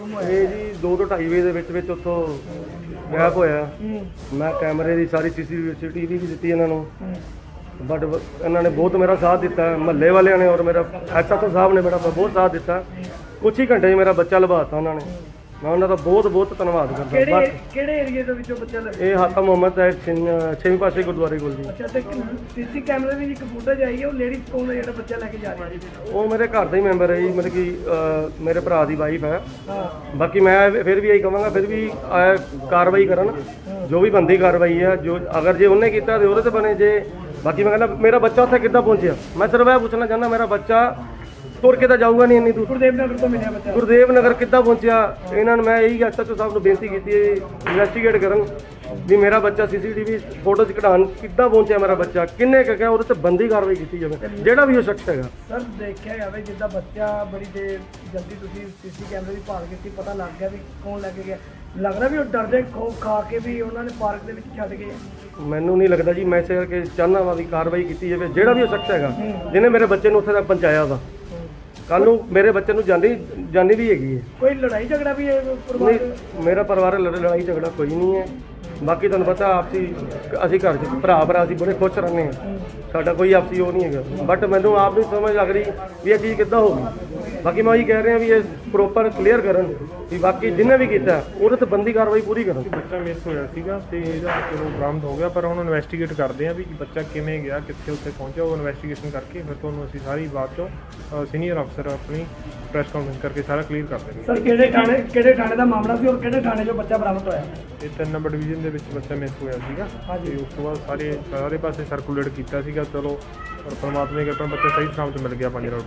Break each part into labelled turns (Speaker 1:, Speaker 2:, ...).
Speaker 1: ਇਹ ਜੀ 2 ਤੋਂ 2:30 ਵਜੇ ਦੇ ਵਿੱਚ ਉੱਥੋਂ ਗਾਇਬ ਹੋਇਆ। ਮੈਂ ਕੈਮਰੇ ਦੀ ਸਾਰੀ ਸੀਸੀਟੀਵੀ ਵੀ ਦਿੱਤੀ ਇਹਨਾਂ ਨੂੰ, ਬਟ ਇਹਨਾਂ ਨੇ ਬਹੁਤ ਮੇਰਾ ਸਾਥ ਦਿੱਤਾ, ਮਹੱਲੇ ਵਾਲਿਆਂ ਨੇ ਔਰ ਮੇਰਾ ਐਸਐਚਓ ਸਾਹਿਬ ਨੇ ਮੇਰਾ ਬਹੁਤ ਸਾਥ ਦਿੱਤਾ। ਕੁਛ ਹੀ ਘੰਟੇ 'ਚ ਮੇਰਾ ਬੱਚਾ ਲਭਾਤਾ ਉਹਨਾਂ ਨੇ। ਮੈਂ ਉਹਨਾਂ ਦਾ ਬਹੁਤ ਧੰਨਵਾਦ ਕਰਦਾ।
Speaker 2: ਕਿਹੜੇ ਏਰੀਆ ਦੇ ਵਿੱਚੋਂ ਬੱਚਾ ਲੱਗਾ?
Speaker 1: ਇਹ ਹਾਤਾ ਮੁਹੰਮਦ ਹੈ, 6ਵੀਂ ਪਾਸੇ ਗੁਰਦੁਆਰੇ ਕੋਲ ਜੀ।
Speaker 2: ਅੱਛਾ, ਤੇ ਸੀਸੀ ਕੈਮਰੇ ਦੀ ਇੱਕ ਫੁਟੇਜ ਆਈ ਹੈ, ਉਹ ਲੇਡੀਜ਼ ਕੌਣ ਹੈ ਜਿਹੜਾ ਬੱਚਾ ਲੈ ਕੇ ਜਾ ਰਹੀ ਹੈ?
Speaker 1: ਉਹ ਮੇਰੇ ਘਰ ਦਾ ਹੀ ਮੈਂਬਰ ਹੈ ਜੀ, ਮਤਲਬ ਕਿ ਮੇਰੇ ਭਰਾ ਦੀ ਵਾਈਫ ਹੈ। ਬਾਕੀ ਮੈਂ ਫਿਰ ਵੀ ਇਹੀ ਕਹਾਂਗਾ, ਫਿਰ ਵੀ ਕਾਰਵਾਈ ਕਰਨ, ਜੋ ਵੀ ਬੰਦੀ ਕਾਰਵਾਈ ਹੈ। ਜੋ ਅਗਰ ਜੇ ਉਹਨੇ ਕੀਤਾ ਤੇ ਉਹਦੇ ਤੇ ਬਣੇ। ਜੇ ਬਾਕੀ ਮੈਂ ਕਹਿੰਦਾ ਮੇਰਾ ਬੱਚਾ ਉੱਥੇ ਕਿੱਦਾਂ ਪਹੁੰਚਿਆ, ਮੈਂ ਸਿਰਫ ਇਹ ਪੁੱਛਣਾ ਚਾਹੁੰਦਾ, ਮੇਰਾ ਬੱਚਾ ਤੁਰ ਕੇ ਤਾਂ ਜਾਊਗਾ ਨਹੀਂ ਇੰਨੀ ਦੂਰ।
Speaker 2: ਗੁਰਦੇਵ ਨਗਰ ਤੋਂ ਮਿਲਿਆ ਬੱਚਾ।
Speaker 1: ਗੁਰਦੇਵ ਨਗਰ ਕਿੱਦਾਂ ਪਹੁੰਚਿਆ? ਇਹਨਾਂ ਨੂੰ ਮੈਂ ਇਹੀ ਐਸਐਚਓ ਸਾਹਿਬ ਨੂੰ ਬੇਨਤੀ ਕੀਤੀ ਹੈ, ਇਨਵੈਸਟੀਗੇਟ ਕਰਨ ਵੀ ਮੇਰਾ ਬੱਚਾ ਸੀਸੀਟੀਵੀ ਫੋਟੋ 'ਚ ਕਢਾਉਣ ਕਿੱਦਾਂ ਪਹੁੰਚਿਆ, ਮੇਰਾ ਬੱਚਾ ਕਿੰਨੇ ਕੁ ਗਿਆ, ਉਹਦੇ ਤੇ ਬੰਦੀ ਕਾਰਵਾਈ ਕੀਤੀ ਜਾਵੇ, ਜਿਹੜਾ ਵੀ ਉਹ ਸ਼ਖਸ ਹੈਗਾ।
Speaker 2: ਸਰ, ਦੇਖਿਆ ਜਾਵੇ ਜਿੱਦਾਂ ਬੱਚਾ ਬੜੀ ਦੇਰ ਜਲਦੀ ਤੁਸੀਂ ਸੀਸੀ ਕੈਮਰੇ ਦੀ ਭਾਲ ਕੀਤੀ, ਪਤਾ ਲੱਗ ਗਿਆ ਵੀ ਕੌਣ ਲੈ ਕੇ ਗਿਆ। ਲੱਗਦਾ ਵੀ ਉਹ ਡਰਦੇ ਖੋਫ ਖਾ ਕੇ ਵੀ ਉਹਨਾਂ ਨੇ ਪਾਰਕ ਦੇ ਵਿੱਚ ਛੱਡ ਗਏ।
Speaker 1: ਮੈਨੂੰ ਨਹੀਂ ਲੱਗਦਾ ਜੀ, ਮੈਂ ਇਸੇ ਕਰਕੇ ਚਾਹੁੰਦਾ ਵਾ ਵੀ ਕਾਰਵਾਈ ਕੀਤੀ ਜਾਵੇ, ਜਿਹੜਾ ਵੀ ਉਹ ਸ਼ਖਸ ਹੈਗਾ ਜਿਹਨੇ ਮੇਰੇ ਬੱਚੇ ਨੂੰ ਉੱਥੇ ਤੱਕ ਪਹੁੰਚਾਇਆ ਵਾ। ਕੱਲ ਨੂੰ ਮੇਰੇ ਬੱਚੇ ਨੂੰ ਜਾਨੀ ਵੀ ਹੈਗੀ ਹੈ।
Speaker 2: ਕੋਈ ਲੜਾਈ ਝਗੜਾ ਵੀ ਹੈ ਪਰਿਵਾਰ?
Speaker 1: ਮੇਰਾ ਪਰਿਵਾਰ ਲੜਾਈ ਝਗੜਾ ਕੋਈ ਨਹੀਂ ਹੈ। ਬਾਕੀ ਤੁਹਾਨੂੰ ਪਤਾ ਆਪਸੀ ਅਸੀਂ ਘਰ 'ਚ ਭਰਾ ਅਸੀਂ ਬੜੇ ਖੁਸ਼ ਰਹਿੰਦੇ ਹਾਂ, ਸਾਡਾ ਕੋਈ ਆਪਸੀ ਉਹ ਨਹੀਂ ਹੈਗਾ। ਬਟ ਮੈਨੂੰ ਆਪ ਨਹੀਂ ਸਮਝ ਲੱਗ ਰਹੀ ਵੀ ਇਹ ਚੀਜ਼ ਕਿੱਦਾਂ ਹੋ ਗਈ। ਬਾਕੀ ਮੈਂ ਉਹੀ ਕਹਿ ਰਿਹਾ ਵੀ ਇਹ ਪ੍ਰੋਪਰ ਕਲੀਅਰ ਕਰਨ ਵੀ ਬਾਕੀ ਜਿਹਨੇ ਵੀ ਕੀਤਾ ਉਹਦੇ ਤੇ ਬੰਦੀ ਕਾਰਵਾਈ ਪੂਰੀ ਕਰਨ।
Speaker 3: ਬੱਚਾ ਮਿਸ ਹੋਇਆ ਸੀਗਾ ਤੇ ਇਹਦਾ ਚਲੋ ਬਰਾਮਦ ਹੋ ਗਿਆ, ਪਰ ਹੁਣ ਇਨਵੈਸਟੀਗੇਟ ਕਰਦੇ ਆ ਵੀ ਬੱਚਾ ਕਿਵੇਂ ਗਿਆ, ਕਿੱਥੇ ਉੱਥੇ ਪਹੁੰਚਿਆ। ਉਹ ਇਨਵੈਸਟੀਗੇਸ਼ਨ ਕਰਕੇ ਫਿਰ ਤੁਹਾਨੂੰ ਅਸੀਂ ਸਾਰੀ ਬਾਤ ਚੋਂ ਸੀਨੀਅਰ ਅਫਸਰ ਆਪਣੀ ਪ੍ਰੈਸ ਕਾਨਫਰੰਸ ਕਰਕੇ ਸਾਰਾ ਕਲੀਅਰ ਕਰ ਦੇਣਗੇ।
Speaker 2: ਸਰ, ਕਿਹੜੇ ਥਾਣੇ ਦਾ ਮਾਮਲਾ ਸੀ ਔਰ ਕਿਹੜੇ ਥਾਣੇ 'ਚੋਂ ਬੱਚਾ ਬਰਾਮਦ ਹੋਇਆ?
Speaker 3: ਇਹ 3 ਨੰਬਰ ਡਿਵੀਜ਼ਨ ਦੇ ਵਿੱਚ ਬੱਚਾ ਮਿਸ ਹੋਇਆ ਸੀਗਾ ਤੇ ਉਸ ਤੋਂ ਬਾਅਦ ਸਾਰੇ ਪਾਸੇ ਸਰਕੂਲੇਟ ਕੀਤਾ ਸੀਗਾ। ਚਲੋ ਪਰ ਪਰਮਾਤਮਾ ਦੀ ਕਿਰਪਾ ਬੱਚਾ ਸਹੀ ਸਲਾਮਤ ਮਿਲ ਗਿਆ। 5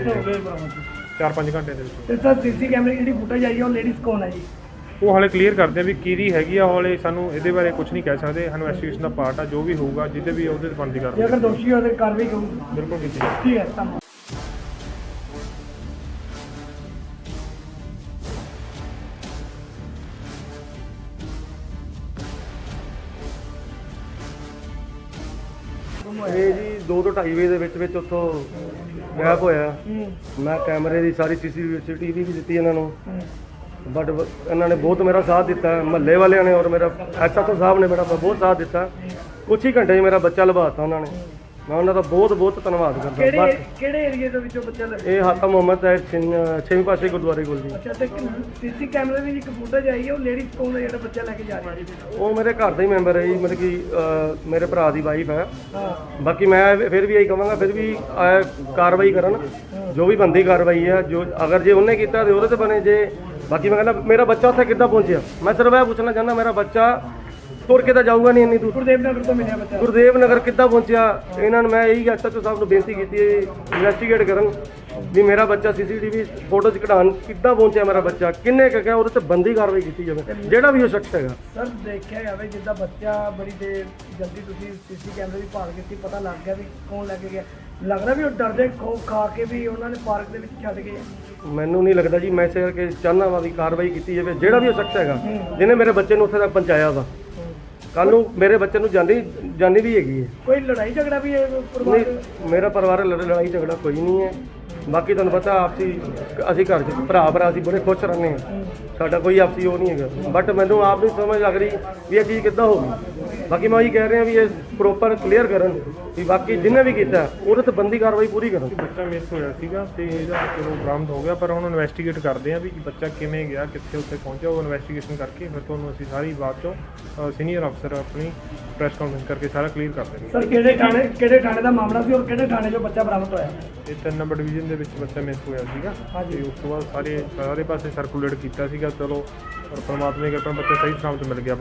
Speaker 3: 4-5 ਘੰਟੇ ਦੇ ਵਿੱਚ।
Speaker 2: ਤੇ ਸਰ, ਸੀਸੀ ਕੈਮਰੇ ਦੀ ਜਿਹੜੀ ਫੁਟੇਜ ਆਈ ਹੈ, ਉਹ ਲੇਡੀਜ਼ ਕੌਣ ਹੈ ਜੀ?
Speaker 3: ਉਹ ਹਾਲੇ ਕਲੀਅਰ ਕਰਦੇ ਆ ਵੀ ਕਿਹਦੀ ਹੈਗੀ ਆ। ਹਾਲੇ ਸਾਨੂੰ ਇਹਦੇ ਬਾਰੇ ਕੁਝ ਨਹੀਂ ਕਹਿ ਸਕਦੇ। ਇਨਵੈਸਟੀਗੇਸ਼ਨ ਦਾ ਪਾਰਟ ਆ, ਜੋ ਵੀ ਹੋਊਗਾ ਜਿਹਦੇ ਵੀ ਉਹਦੇ ਤੇ ਬਣਦੀ
Speaker 2: ਜੇ
Speaker 3: ਕਰਦੇ
Speaker 2: ਅਗਰ ਦੋਸ਼ੀ ਹੋਵੇ ਤਾਂ ਕਾਰਵਾਈ ਕਰੂੰ।
Speaker 3: ਬਿਲਕੁਲ ਕੀਤੀ ਜਾਊਗੀ।
Speaker 2: ਠੀਕ ਹੈ, ਧੰਨਵਾਦ।
Speaker 1: ਇਹ ਜੀ 2 ਤੋਂ 2:30 ਵਜੇ ਦੇ ਵਿੱਚ ਉੱਥੋਂ ਗਾਇਬ ਹੋਇਆ। ਮੈਂ ਕੈਮਰੇ ਦੀ ਸਾਰੀ ਸੀਸੀਟੀਵੀ ਵੀ ਦਿੱਤੀ ਇਹਨਾਂ ਨੂੰ, ਬਟ ਇਹਨਾਂ ਨੇ ਬਹੁਤ ਮੇਰਾ ਸਾਥ ਦਿੱਤਾ, ਮਹੱਲੇ ਵਾਲਿਆਂ ਨੇ ਔਰ ਮੇਰਾ ਐਸਐਚਓ ਸਾਹਿਬ ਨੇ ਮੇਰਾ ਬਹੁਤ ਸਾਥ ਦਿੱਤਾ। ਕੁਛ ਹੀ ਘੰਟੇ 'ਚ ਮੇਰਾ ਬੱਚਾ ਲਭਾਤਾ ਉਹਨਾਂ ਨੇ। ਮੈਂ ਉਹਨਾਂ ਦਾ ਬਹੁਤ ਧੰਨਵਾਦ ਕਰਦਾ।
Speaker 2: ਕਿਹੜੇ ਏਰੀਆ ਦੇ ਵਿੱਚੋਂ ਬੱਚਾ ਲੱਗਾ?
Speaker 1: ਇਹ ਹਾਤਾ ਮੁਹੰਮਦ ਹੈ, 6ਵੀਂ ਪਾਸੇ ਗੁਰਦੁਆਰੇ ਕੋਲ ਜੀ।
Speaker 2: ਅੱਛਾ, ਤੇ ਸੀਸੀ ਕੈਮਰੇ ਦੀ ਇੱਕ ਫੁਟੇਜ ਆਈ ਹੈ, ਉਹ ਲੇਡੀਜ਼ ਕੌਣ ਹੈ ਜਿਹੜਾ ਬੱਚਾ ਲੈ ਕੇ ਜਾ ਰਹੀ ਹੈ?
Speaker 1: ਉਹ ਮੇਰੇ ਘਰ ਦਾ ਹੀ ਮੈਂਬਰ ਹੈ ਜੀ, ਮਤਲਬ ਕਿ ਮੇਰੇ ਭਰਾ ਦੀ ਵਾਈਫ ਹੈ। ਬਾਕੀ ਮੈਂ ਫਿਰ ਵੀ ਇਹੀ ਕਹਾਂਗਾ, ਫਿਰ ਵੀ ਕਾਰਵਾਈ ਕਰਨ, ਜੋ ਵੀ ਬੰਦੀ ਕਾਰਵਾਈ ਹੈ। ਜੋ ਅਗਰ ਜੇ ਉਹਨੇ ਕੀਤਾ ਤੇ ਉਹਦੇ ਤੇ ਬਣੇ। ਜੇ ਬਾਕੀ ਮੈਂ ਕਹਿੰਦਾ ਮੇਰਾ ਬੱਚਾ ਉੱਥੇ ਕਿੱਦਾਂ ਪਹੁੰਚਿਆ, ਮੈਂ ਸਿਰਫ ਇਹ ਪੁੱਛਣਾ ਚਾਹੁੰਦਾ, ਮੇਰਾ ਬੱਚਾ ਤੁਰ ਕੇ ਤਾਂ ਜਾਊਗਾ ਨਹੀਂ ਇੰਨੀ ਦੂਰ।
Speaker 2: ਗੁਰਦੇਵ ਨਗਰ ਤੋਂ ਮਿਲਿਆ ਬੱਚਾ।
Speaker 1: ਗੁਰਦੇਵ ਨਗਰ ਕਿੱਦਾਂ ਪਹੁੰਚਿਆ? ਇਹਨਾਂ ਨੂੰ ਮੈਂ ਇਹੀ ਐਸਐਚਓ ਸਾਹਿਬ ਨੂੰ ਬੇਨਤੀ ਕੀਤੀ ਹੈ, ਇਨਵੈਸਟੀਗੇਟ ਕਰਨ ਵੀ ਮੇਰਾ ਬੱਚਾ ਸੀਸੀਟੀਵੀ ਫੋਟੋ 'ਚ ਕਢਾਉਣ ਕਿੱਦਾਂ ਪਹੁੰਚਿਆ, ਮੇਰਾ ਬੱਚਾ ਕਿੰਨੇ ਕੁ ਗਿਆ, ਉਹਦੇ ਤੇ ਬੰਦੀ ਕਾਰਵਾਈ ਕੀਤੀ ਜਾਵੇ, ਜਿਹੜਾ ਵੀ ਉਹ ਸ਼ਖਸ ਹੈਗਾ।
Speaker 2: ਸਰ, ਦੇਖਿਆ ਜਾਵੇ ਜਿੱਦਾਂ ਬੱਚਾ ਬੜੀ ਦੇਰ ਜਲਦੀ ਤੁਸੀਂ ਸੀਸੀ ਕੈਮਰੇ ਦੀ ਭਾਲ ਕੀਤੀ, ਪਤਾ ਲੱਗ ਗਿਆ ਵੀ ਕੌਣ ਲੈ ਕੇ ਗਿਆ। ਲੱਗਦਾ ਵੀ ਉਹ ਡਰਦੇ ਖੋਫ ਖਾ ਕੇ ਵੀ ਉਹਨਾਂ ਨੇ ਪਾਰਕ ਦੇ ਵਿੱਚ ਛੱਡ ਗਏ।
Speaker 1: ਮੈਨੂੰ ਨਹੀਂ ਲੱਗਦਾ ਜੀ, ਮੈਂ ਇਸੇ ਕਰਕੇ ਚਾਹੁੰਦਾ ਵਾ ਵੀ ਕਾਰਵਾਈ ਕੀਤੀ ਜਾਵੇ, ਜਿਹੜਾ ਵੀ ਉਹ ਸ਼ਖਸ ਹੈਗਾ ਜਿਹਨੇ ਮੇਰੇ ਬੱਚੇ ਨੂੰ ਉੱਥੇ ਤੱਕ ਪਹੁੰਚਾਇਆ ਵਾ। ਕੱਲ ਨੂੰ ਮੇਰੇ ਬੱਚੇ ਨੂੰ ਜਾਨੀ ਵੀ ਹੈਗੀ ਹੈ।
Speaker 2: ਕੋਈ ਲੜਾਈ ਝਗੜਾ ਵੀ ਹੈ ਪਰਿਵਾਰ?
Speaker 1: ਮੇਰਾ ਪਰਿਵਾਰ ਲੜਾਈ ਝਗੜਾ ਕੋਈ ਨਹੀਂ ਹੈ। ਬਾਕੀ ਤੁਹਾਨੂੰ ਪਤਾ ਆਪਸੀ ਅਸੀਂ ਘਰ 'ਚ ਭਰਾ ਅਸੀਂ ਬੜੇ ਖੁਸ਼ ਰਹਿੰਦੇ ਹਾਂ, ਸਾਡਾ ਕੋਈ ਆਪਸੀ ਉਹ ਨਹੀਂ ਹੈਗਾ। ਬਟ ਮੈਨੂੰ ਆਪ ਨਹੀਂ ਸਮਝ ਲੱਗ ਰਹੀ ਵੀ ਇਹ ਚੀਜ਼ ਕਿੱਦਾਂ ਹੋ ਗਈ। ਬਾਕੀ ਮੈਂ ਉਹੀ ਕਹਿ ਰਿਹਾ ਵੀ ਇਹ ਪ੍ਰੋਪਰ ਕਲੀਅਰ ਕਰਨ ਵੀ ਬਾਕੀ ਜਿਹਨੇ ਵੀ ਕੀਤਾ ਉਹਦੇ ਤੇ ਬੰਦੀ ਕਾਰਵਾਈ ਪੂਰੀ ਕਰਨ।
Speaker 3: ਬੱਚਾ ਮਿਸ ਹੋਇਆ ਸੀਗਾ ਤੇ ਇਹਦਾ ਚਲੋ ਬਰਾਮਦ ਹੋ ਗਿਆ, ਪਰ ਹੁਣ ਇਨਵੈਸਟੀਗੇਟ ਕਰਦੇ ਆ ਵੀ ਬੱਚਾ ਕਿਵੇਂ ਗਿਆ, ਕਿੱਥੇ ਉੱਥੇ ਪਹੁੰਚਿਆ। ਉਹ ਇਨਵੈਸਟੀਗੇਸ਼ਨ ਕਰਕੇ ਫਿਰ ਤੁਹਾਨੂੰ ਅਸੀਂ ਸਾਰੀ ਬਾਤ ਚੋਂ ਸੀਨੀਅਰ ਅਫਸਰ ਆਪਣੀ ਪ੍ਰੈਸ ਕਾਨਫਰੰਸ ਕਰਕੇ ਸਾਰਾ ਕਲੀਅਰ ਕਰ ਦੇਣਗੇ।
Speaker 2: ਸਰ, ਕਿਹੜੇ ਥਾਣੇ ਦਾ ਮਾਮਲਾ ਸੀ ਔਰ ਕਿਹੜੇ ਥਾਣੇ 'ਚੋਂ ਬੱਚਾ ਬਰਾਮਦ ਹੋਇਆ?
Speaker 3: ਇਹ 3 ਨੰਬਰ ਡਿਵੀਜ਼ਨ ਦੇ ਵਿੱਚ ਬੱਚਾ ਮਿਸ ਹੋਇਆ ਸੀਗਾ ਤੇ ਉਸ ਤੋਂ ਬਾਅਦ ਸਾਰੇ ਪਾਸੇ ਸਰਕੂਲੇਟ ਕੀਤਾ ਸੀਗਾ। ਚਲੋ ਪਰ ਪਰਮਾਤਮਾ ਦੀ ਕਿਰਪਾ ਬੱਚਾ ਸਹੀ ਸਲਾਮਤ ਮਿਲ ਗਿਆ।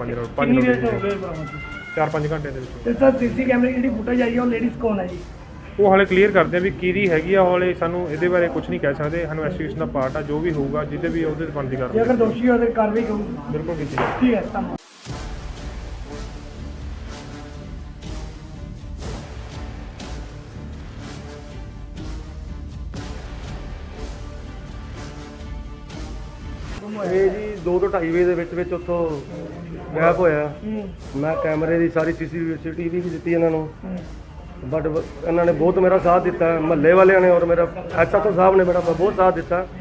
Speaker 3: 4-5 ਘੰਟੇ ਦੇ ਵਿੱਚ।
Speaker 2: ਤੇ ਸਰ, ਸੀਸੀ ਕੈਮਰੇ ਦੀ ਜਿਹੜੀ ਫੁਟੇਜ ਆਈ ਹੈ, ਉਹ ਲੇਡੀਜ਼ ਕੌਣ ਹੈ ਜੀ?
Speaker 3: ਉਹ ਹਾਲੇ ਕਲੀਅਰ ਕਰਦੇ ਆ ਵੀ ਕਿਹਦੀ ਹੈਗੀ ਆ। ਹਾਲੇ ਸਾਨੂੰ ਇਹਦੇ ਬਾਰੇ ਕੁਝ ਨਹੀਂ ਕਹਿ ਸਕਦੇ। ਇਨਵੈਸਟੀਗੇਸ਼ਨ ਦਾ ਪਾਰਟ ਆ, ਜੋ ਵੀ ਹੋਊਗਾ ਜਿਹਦੇ ਵੀ ਉਹਦੇ ਤੇ ਬਣਦੀ
Speaker 2: ਜੇ
Speaker 3: ਕਰਦੇ।
Speaker 2: ਅਗਰ ਦੋਸ਼ੀ ਹੋਵੇ ਤਾਂ ਕਾਰਵਾਈ ਕਰੂੰ।
Speaker 3: ਬਿਲਕੁਲ ਕੀਤੀ ਜਾਊਗੀ।
Speaker 2: ਠੀਕ ਹੈ, ਧੰਨਵਾਦ।
Speaker 1: ਇਹ ਜੀ 2 ਤੋਂ 2:30 ਵਜੇ ਦੇ ਵਿੱਚ ਉੱਥੋਂ ਗਾਇਬ ਹੋਇਆ। ਮੈਂ ਕੈਮਰੇ ਦੀ ਸਾਰੀ ਸੀਸੀਟੀਵੀ ਵੀ ਦਿੱਤੀ ਇਹਨਾਂ ਨੂੰ, ਬਟ ਇਹਨਾਂ ਨੇ ਬਹੁਤ ਮੇਰਾ ਸਾਥ ਦਿੱਤਾ, ਮਹੱਲੇ ਵਾਲਿਆਂ ਨੇ ਔਰ ਮੇਰਾ ਐਸਐਚਓ ਸਾਹਿਬ ਨੇ ਮੇਰਾ ਬਹੁਤ ਸਾਥ ਦਿੱਤਾ।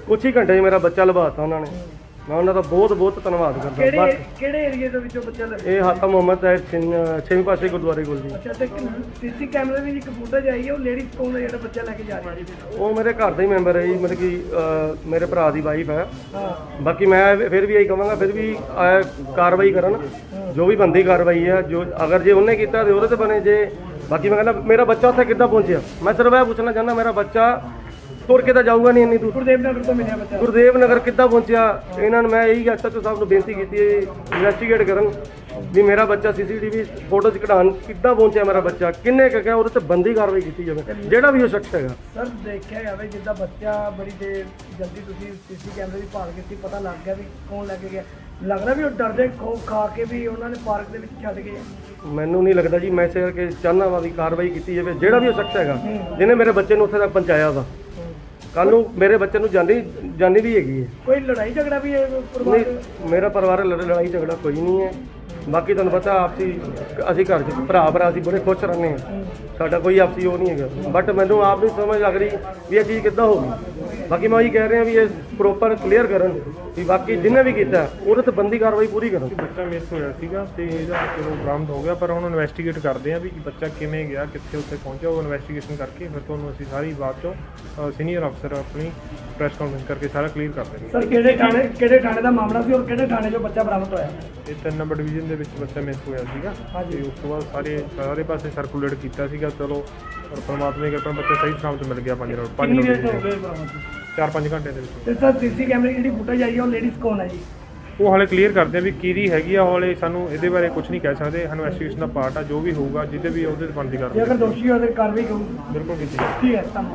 Speaker 1: ਕੁਛ ਹੀ ਘੰਟੇ 'ਚ ਮੇਰਾ ਬੱਚਾ ਲਵਾਤਾ ਉਹਨਾਂ ਨੇ। ਮੈਂ ਉਹਨਾਂ ਦਾ ਬਹੁਤ ਬਹੁਤ ਧੰਨਵਾਦ ਕਰਦਾ। ਬਾਕੀ
Speaker 2: ਕਿਹੜੇ ਏਰੀਆ ਦੇ ਵਿੱਚੋਂ ਬੱਚਾ ਲੱਗਾ?
Speaker 1: ਇਹ ਹਾਤਾ ਮੁਹੰਮਦ ਸਾਹਿਬ ਛੇਵੀਂ ਪਾਸੇ ਗੁਰਦੁਆਰੇ ਕੋਲ ਜੀ।
Speaker 2: ਅੱਛਾ, ਤੇ ਸੀਸੀ ਕੈਮਰੇ ਦੀ ਇੱਕ ਫੁਟੇਜ ਆਈ ਹੈ, ਉਹ ਲੇਡੀਜ਼ ਕੌਣ ਹੈ ਜਿਹੜਾ ਬੱਚਾ ਲੈ ਕੇ ਜਾ ਰਹੀ ਹੈ?
Speaker 1: ਉਹ ਮੇਰੇ ਘਰ ਦਾ ਹੀ ਮੈਂਬਰ ਹੈ ਜੀ, ਮਤਲਬ ਕਿ ਮੇਰੇ ਭਰਾ ਦੀ ਵਾਈਫ ਹੈ।
Speaker 2: ਹਾਂ,
Speaker 1: ਬਾਕੀ ਮੈਂ ਫਿਰ ਵੀ ਇਹੀ ਕਹਾਂਗਾ, ਫਿਰ ਵੀ ਕਾਰਵਾਈ ਕਰਨ, ਜੋ ਵੀ ਬੰਦੀ ਕਾਰਵਾਈ ਹੈ। ਜੋ ਅਗਰ ਜੇ ਉਹਨੇ ਕੀਤਾ ਤੇ ਉਹਦੇ ਤੇ ਬਣੇ। ਜੇ ਬਾਕੀ ਮੈਂ ਕਹਿੰਦਾ ਮੇਰਾ ਬੱਚਾ ਉੱਥੇ ਕਿੱਦਾਂ ਪਹੁੰਚਿਆ, ਮੈਂ ਸਿਰਫ ਇਹ ਪੁੱਛਣਾ ਚਾਹੁੰਦਾ, ਮੇਰਾ ਬੱਚਾ ਤੁਰ ਕੇ ਤਾਂ ਜਾਊਗਾ ਨਹੀਂ ਇੰਨੀ ਦੂਰ।
Speaker 2: ਗੁਰਦੇਵ ਨਗਰ ਤੋਂ ਮਿਲਿਆ ਬੱਚਾ।
Speaker 1: ਗੁਰਦੇਵ ਨਗਰ ਕਿੱਦਾਂ ਪਹੁੰਚਿਆ? ਇਹਨਾਂ ਨੂੰ ਮੈਂ ਇਹੀ ਐਸਐਚਓ ਸਾਹਿਬ ਨੂੰ ਬੇਨਤੀ ਕੀਤੀ ਹੈ, ਇਨਵੈਸਟੀਗੇਟ ਕਰਨ ਵੀ ਮੇਰਾ ਬੱਚਾ ਸੀਸੀਟੀਵੀ ਫੋਟੋ 'ਚ ਕਢਾਉਣ ਕਿੱਦਾਂ ਪਹੁੰਚਿਆ, ਮੇਰਾ ਬੱਚਾ ਕਿੰਨੇ ਕੁ ਗਿਆ, ਉਹਦੇ ਤੇ ਬੰਦੀ ਕਾਰਵਾਈ ਕੀਤੀ ਜਾਵੇ, ਜਿਹੜਾ ਵੀ ਉਹ ਸ਼ਖਸ ਹੈਗਾ।
Speaker 2: ਸਰ, ਦੇਖਿਆ ਜਾਵੇ ਜਿੱਦਾਂ ਬੱਚਾ ਬੜੀ ਦੇਰ ਜਲਦੀ ਤੁਸੀਂ ਸੀਸੀ ਕੈਮਰੇ ਦੀ ਭਾਲ ਕੀਤੀ, ਪਤਾ ਲੱਗ ਗਿਆ ਵੀ ਕੌਣ ਲੈ ਕੇ ਗਿਆ। ਲੱਗਦਾ ਵੀ ਉਹ ਡਰਦੇ ਖੋਫ ਖਾ ਕੇ ਵੀ ਉਹਨਾਂ ਨੇ ਪਾਰਕ ਦੇ ਵਿੱਚ ਛੱਡ ਗਏ।
Speaker 1: ਮੈਨੂੰ ਨਹੀਂ ਲੱਗਦਾ ਜੀ, ਮੈਂ ਇਸੇ ਕਰਕੇ ਚਾਹੁੰਦਾ ਵਾ ਵੀ ਕਾਰਵਾਈ ਕੀਤੀ ਜਾਵੇ, ਜਿਹੜਾ ਵੀ ਉਹ ਸ਼ਖਸ ਹੈਗਾ ਜਿਹਨੇ ਮੇਰੇ ਬੱਚੇ ਨੂੰ ਉੱਥੇ ਤੱਕ ਪਹੁੰਚਾਇਆ ਵਾ। ਕੱਲ ਨੂੰ ਮੇਰੇ ਬੱਚੇ ਨੂੰ ਜਾਨੀ ਵੀ ਹੈਗੀ ਹੈ।
Speaker 2: ਕੋਈ ਲੜਾਈ ਝਗੜਾ ਵੀ ਹੈ ਪਰਿਵਾਰ ਦੇ?
Speaker 1: ਨਹੀਂ, ਮੇਰਾ ਪਰਿਵਾਰ ਲੜਾਈ ਝਗੜਾ ਕੋਈ ਨਹੀਂ ਹੈ। ਬਾਕੀ ਤੁਹਾਨੂੰ ਪਤਾ ਆਪਸੀ ਅਸੀਂ ਘਰ 'ਚ ਭਰਾ ਅਸੀਂ ਬੜੇ ਖੁਸ਼ ਰਹਿੰਦੇ ਹਾਂ, ਸਾਡਾ ਕੋਈ ਆਪਸੀ ਉਹ ਨਹੀਂ ਹੈਗਾ। ਬਟ ਮੈਨੂੰ ਆਪ ਨਹੀਂ ਸਮਝ ਲੱਗ ਰਹੀ ਵੀ ਇਹ ਚੀਜ਼ ਕਿੱਦਾਂ ਹੋ ਗਈ। ਬਾਕੀ ਮੈਂ ਉਹੀ ਕਹਿ ਰਿਹਾ ਵੀ ਇਹ ਪ੍ਰੋਪਰ ਕਲੀਅਰ ਕਰਨ ਵੀ ਬਾਕੀ ਜਿਹਨੇ ਵੀ ਕੀਤਾ ਉਹਦੇ ਤੇ ਬੰਦੀ ਕਾਰਵਾਈ ਪੂਰੀ ਕਰਨ।
Speaker 3: ਬੱਚਾ ਮਿਸ ਹੋਇਆ ਸੀਗਾ ਤੇ ਇਹਦਾ ਚਲੋ ਬਰਾਮਦ ਹੋ ਗਿਆ, ਪਰ ਹੁਣ ਇਨਵੈਸਟੀਗੇਟ ਕਰਦੇ ਆ ਵੀ ਬੱਚਾ ਕਿਵੇਂ ਗਿਆ, ਕਿੱਥੇ ਉੱਥੇ ਪਹੁੰਚਿਆ। ਉਹ ਇਨਵੈਸਟੀਗੇਸ਼ਨ ਕਰਕੇ ਫਿਰ ਤੁਹਾਨੂੰ ਅਸੀਂ ਸਾਰੀ ਬਾਤ ਚੋਂ ਸੀਨੀਅਰ ਅਫਸਰ ਆਪਣੀ ਪ੍ਰੈਸ ਕਾਨਫਰੰਸ ਕਰਕੇ ਸਾਰਾ ਕਲੀਅਰ ਕਰ ਦੇਣਗੇ।
Speaker 2: ਸਰ, ਕਿਹੜੇ ਥਾਣੇ ਦਾ ਮਾਮਲਾ ਸੀ ਔਰ ਕਿਹੜੇ ਥਾਣੇ 'ਚੋਂ ਬੱਚਾ ਬਰਾਮਦ ਹੋਇਆ?
Speaker 3: ਇਹ 3 ਨੰਬਰ ਡਿਵੀਜ਼ਨ ਦੇ ਵਿੱਚ ਬੱਚਾ ਮਿਸ ਹੋਇਆ ਸੀਗਾ ਤੇ ਉਸ ਤੋਂ ਬਾਅਦ ਸਾਰੇ ਪਾਸੇ ਸਰਕੂਲੇਟ ਕੀਤਾ ਸੀਗਾ। ਚਲੋ ਪਰ ਪਰਮਾਤਮਾ ਦੀ ਕਿਰਪਾ ਨਾਲ ਬੱਚਾ ਸਹੀ ਸਲਾਮਤ ਮਿਲ ਗਿਆ। 5 ਰੋਡ 4-5 ਘੰਟੇ ਦੇ ਵਿੱਚ।
Speaker 2: ਤੇ ਸਰ, ਸੀਸੀ ਕੈਮਰੇ ਦੀ ਜਿਹੜੀ ਫੁਟੇਜ ਆਈ ਹੈ, ਉਹ ਲੇਡੀਜ਼ ਕੌਣ ਹੈ ਜੀ?
Speaker 3: ਉਹ ਹਾਲੇ ਕਲੀਅਰ ਕਰਦੇ ਆ ਵੀ ਕਿਹਦੀ ਹੈਗੀ ਆ। ਹਾਲੇ ਸਾਨੂੰ ਇਹਦੇ ਬਾਰੇ ਕੁਝ ਨਹੀਂ ਕਹਿ ਸਕਦੇ। ਇਨਵੈਸਟੀਗੇਸ਼ਨ ਦਾ ਪਾਰਟ ਆ, ਜੋ ਵੀ ਹੋਊਗਾ ਜਿਹਦੇ ਵੀ ਉਹਦੇ ਤੇ ਬਣਦੀ
Speaker 2: ਜੇ
Speaker 3: ਕਰਦੇ
Speaker 2: ਅਗਰ ਦੋਸ਼ੀ ਹੋਵੇ ਤਾਂ ਕਾਰਵਾਈ ਕਰੂੰ।
Speaker 3: ਬਿਲਕੁਲ ਕੀਤੀ
Speaker 2: ਠੀਕ ਹੈ, ਧੰਨਵਾਦ।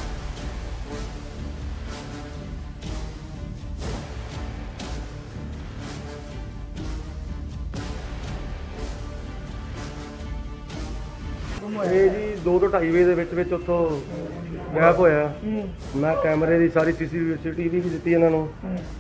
Speaker 1: ਇਹ ਜੀ 2 ਤੋਂ 2.5 ਵਜੇ ਦੇ ਵਿੱਚ ਉੱਥੋਂ ਗਾਇਬ ਹੋਇਆ। ਮੈਂ ਕੈਮਰੇ ਦੀ ਸਾਰੀ ਸੀਸੀਟੀਵੀ ਵੀ ਦਿੱਤੀ ਇਹਨਾਂ ਨੂੰ,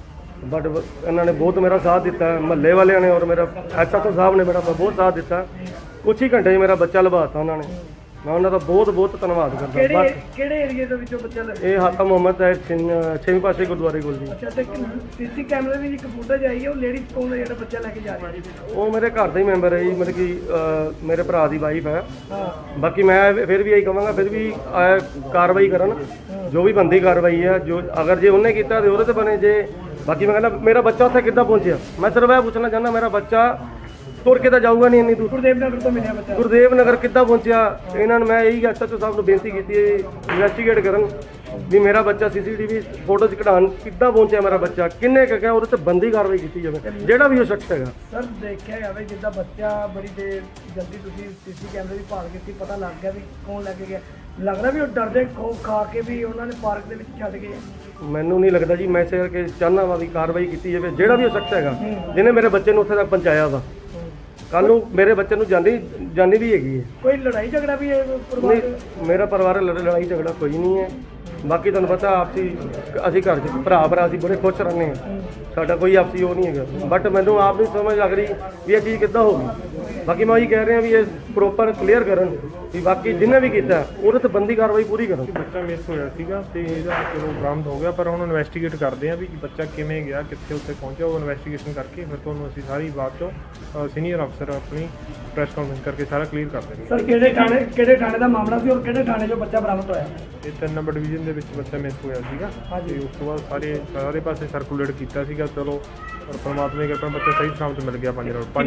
Speaker 1: ਬਟ ਇਹਨਾਂ ਨੇ ਬਹੁਤ ਮੇਰਾ ਸਾਥ ਦਿੱਤਾ। ਮਹੱਲੇ ਵਾਲਿਆਂ ਨੇ ਔਰ ਮੇਰਾ ਐਸਐਚਓ ਸਾਹਿਬ ਨੇ ਮੇਰਾ ਬਹੁਤ ਸਾਥ ਦਿੱਤਾ। ਕੁਛ ਹੀ ਘੰਟੇ 'ਚ ਮੇਰਾ ਬੱਚਾ ਲਵਾਤਾ ਉਹਨਾਂ ਨੇ। ਮੈਂ ਉਹਨਾਂ ਦਾ ਬਹੁਤ ਬਹੁਤ ਧੰਨਵਾਦ ਕਰਦਾ। ਬਾਕੀ
Speaker 2: ਕਿਹੜੇ ਏਰੀਆ ਦੇ ਵਿੱਚੋਂ ਬੱਚਾ ਲੱਗਾ?
Speaker 1: ਇਹ ਹਾਤਾ ਮੁਹੰਮਦ ਸਾਹਿਬ ਛੇਵੀਂ ਪਾਸੇ ਗੁਰਦੁਆਰੇ ਕੋਲ ਜੀ।
Speaker 2: ਅੱਛਾ, ਤੇ ਸੀਸੀ ਕੈਮਰੇ ਦੀ ਇੱਕ ਫੁਟੇਜ ਆਈ ਹੈ, ਉਹ ਲੇਡੀਜ਼ ਕੌਣ ਹੈ ਜਿਹੜਾ ਬੱਚਾ ਲੈ ਕੇ ਜਾ ਰਹੀ ਹੈ?
Speaker 1: ਉਹ ਮੇਰੇ ਘਰ ਦਾ ਹੀ ਮੈਂਬਰ ਹੈ ਜੀ, ਮਤਲਬ ਕਿ ਮੇਰੇ ਭਰਾ ਦੀ ਵਾਈਫ ਹੈ।
Speaker 2: ਹਾਂ,
Speaker 1: ਬਾਕੀ ਮੈਂ ਫਿਰ ਵੀ ਇਹੀ ਕਹਾਂਗਾ, ਫਿਰ ਵੀ ਕਾਰਵਾਈ ਕਰਨ, ਜੋ ਵੀ ਬੰਦੀ ਕਾਰਵਾਈ ਹੈ। ਜੋ ਅਗਰ ਜੇ ਉਹਨੇ ਕੀਤਾ ਤੇ ਉਹਦੇ ਤੇ ਬਣੇ। ਜੇ ਬਾਕੀ ਮੈਂ ਕਹਿੰਦਾ ਮੇਰਾ ਬੱਚਾ ਉੱਥੇ ਕਿੱਦਾਂ ਪਹੁੰਚਿਆ, ਮੈਂ ਸਿਰਫ ਇਹ ਪੁੱਛਣਾ ਚਾਹੁੰਦਾ, ਮੇਰਾ ਬੱਚਾ ਤੁਰ ਕੇ ਤਾਂ ਜਾਊਗਾ ਨਹੀਂ ਇੰਨੀ ਦੂਰ।
Speaker 2: ਗੁਰਦੇਵ ਨਗਰ ਤੋਂ ਮਿਲਿਆ ਬੱਚਾ।
Speaker 1: ਗੁਰਦੇਵ ਨਗਰ ਕਿੱਦਾਂ ਪਹੁੰਚਿਆ? ਇਹਨਾਂ ਨੂੰ ਮੈਂ ਇਹੀ ਐਸਐਚਓ ਸਾਹਿਬ ਨੂੰ ਬੇਨਤੀ ਕੀਤੀ ਹੈ, ਇਨਵੈਸਟੀਗੇਟ ਕਰਨ ਵੀ ਮੇਰਾ ਬੱਚਾ ਸੀਸੀਟੀਵੀ ਫੋਟੋ 'ਚ ਕਢਾਉਣ ਕਿੱਦਾਂ ਪਹੁੰਚਿਆ, ਮੇਰਾ ਬੱਚਾ ਕਿੰਨੇ ਕੁ ਗਿਆ, ਉਹਦੇ ਤੇ ਬੰਦੀ ਕਾਰਵਾਈ ਕੀਤੀ ਜਾਵੇ, ਜਿਹੜਾ ਵੀ ਉਹ ਸ਼ਖਸ ਹੈਗਾ।
Speaker 2: ਸਰ, ਦੇਖਿਆ ਜਾਵੇ ਜਿੱਦਾਂ ਬੱਚਾ ਬੜੀ ਦੇਰ ਜਲਦੀ ਤੁਸੀਂ ਸੀਸੀ ਕੈਮਰੇ ਦੀ ਭਾਲ ਕੀਤੀ, ਪਤਾ ਲੱਗ ਗਿਆ ਵੀ ਕੌਣ ਲੈ ਕੇ ਗਿਆ। ਲੱਗਦਾ ਵੀ ਉਹ ਡਰਦੇ ਖੋਫ ਖਾ ਕੇ ਵੀ ਉਹਨਾਂ ਨੇ ਪਾਰਕ ਦੇ ਵਿੱਚ ਛੱਡ ਗਏ।
Speaker 1: ਮੈਨੂੰ ਨਹੀਂ ਲੱਗਦਾ ਜੀ, ਮੈਂ ਇਸੇ ਕਰਕੇ ਚਾਹੁੰਦਾ ਵਾ ਵੀ ਕਾਰਵਾਈ ਕੀਤੀ ਜਾਵੇ, ਜਿਹੜਾ ਵੀ ਉਹ ਸ਼ਖਸ ਹੈਗਾ ਜਿਹਨੇ ਮੇਰੇ ਬੱਚੇ ਨੂੰ ਉੱਥੇ ਤੱਕ ਪਹੁੰਚਾਇਆ ਵਾ। ਕੱਲ ਨੂੰ ਮੇਰੇ ਬੱਚੇ ਨੂੰ ਜਾਨੀ ਵੀ ਹੈਗੀ ਹੈ।
Speaker 2: ਕੋਈ ਲੜਾਈ ਝਗੜਾ ਵੀ ਹੈ ਪਰਿਵਾਰ ਦੇ?
Speaker 1: ਨਹੀਂ, ਮੇਰਾ ਪਰਿਵਾਰ ਲੜਾਈ ਝਗੜਾ ਕੋਈ ਨਹੀਂ ਹੈ। ਬਾਕੀ ਤੁਹਾਨੂੰ ਪਤਾ ਆਪਸੀ ਅਸੀਂ ਘਰ 'ਚ ਭਰਾ ਅਸੀਂ ਬੜੇ ਖੁਸ਼ ਰਹਿੰਦੇ ਹਾਂ, ਸਾਡਾ ਕੋਈ ਆਪਸੀ ਉਹ ਨਹੀਂ ਹੈਗਾ। ਬਟ ਮੈਨੂੰ ਆਪ ਨਹੀਂ ਸਮਝ ਲੱਗ ਰਹੀ ਵੀ ਇਹ ਚੀਜ਼ ਕਿੱਦਾਂ ਹੋ ਗਈ। ਬਾਕੀ ਮੈਂ ਉਹੀ ਕਹਿ ਰਿਹਾ ਵੀ ਇਹ ਪ੍ਰੋਪਰ ਕਲੀਅਰ ਕਰਨ ਵੀ ਬਾਕੀ ਜਿਹਨੇ ਵੀ ਕੀਤਾ ਉਹਦੇ ਤੇ ਬੰਦੀ ਕਾਰਵਾਈ ਪੂਰੀ ਕਰਨ।
Speaker 3: ਬੱਚਾ ਮਿਸ ਹੋਇਆ ਸੀਗਾ ਤੇ ਇਹਦਾ ਚਲੋ ਬਰਾਮਦ ਹੋ ਗਿਆ, ਪਰ ਹੁਣ ਇਨਵੈਸਟੀਗੇਟ ਕਰਦੇ ਆ ਵੀ ਬੱਚਾ ਕਿਵੇਂ ਗਿਆ, ਕਿੱਥੇ ਉੱਥੇ ਪਹੁੰਚਿਆ। ਉਹ ਇਨਵੈਸਟੀਗੇਸ਼ਨ ਕਰਕੇ ਫਿਰ ਤੁਹਾਨੂੰ ਅਸੀਂ ਸਾਰੀ ਬਾਤ ਚੋਂ ਸੀਨੀਅਰ ਅਫਸਰ ਆਪਣੀ ਪ੍ਰੈਸ ਕਾਨਫਰੰਸ ਕਰਕੇ ਸਾਰਾ ਕਲੀਅਰ ਕਰ ਦੇਣਗੇ।
Speaker 2: ਸਰ, ਕਿਹੜੇ ਥਾਣੇ ਦਾ ਮਾਮਲਾ ਸੀ ਔਰ ਕਿਹੜੇ ਥਾਣੇ 'ਚੋਂ ਬੱਚਾ ਬਰਾਮਦ ਹੋਇਆ?
Speaker 3: ਇਹ 3 ਨੰਬਰ ਡਿਵੀਜ਼ਨ ਦੇ ਵਿੱਚ ਬੱਚਾ ਮਿਸ ਹੋਇਆ ਸੀਗਾ ਤੇ ਉਸ ਤੋਂ ਬਾਅਦ ਸਾਰੇ ਪਾਸੇ ਸਰਕੂਲੇਟ ਕੀਤਾ ਸੀਗਾ। ਚਲੋ ਪਰ ਪਰਮਾਤਮਾ ਦੀ ਕਿਰਪਾ ਨਾਲ ਬੱਚਾ ਸਹੀ ਸਲਾਮਤ ਮਿਲ ਗਿਆ। 5 ਰੋਡ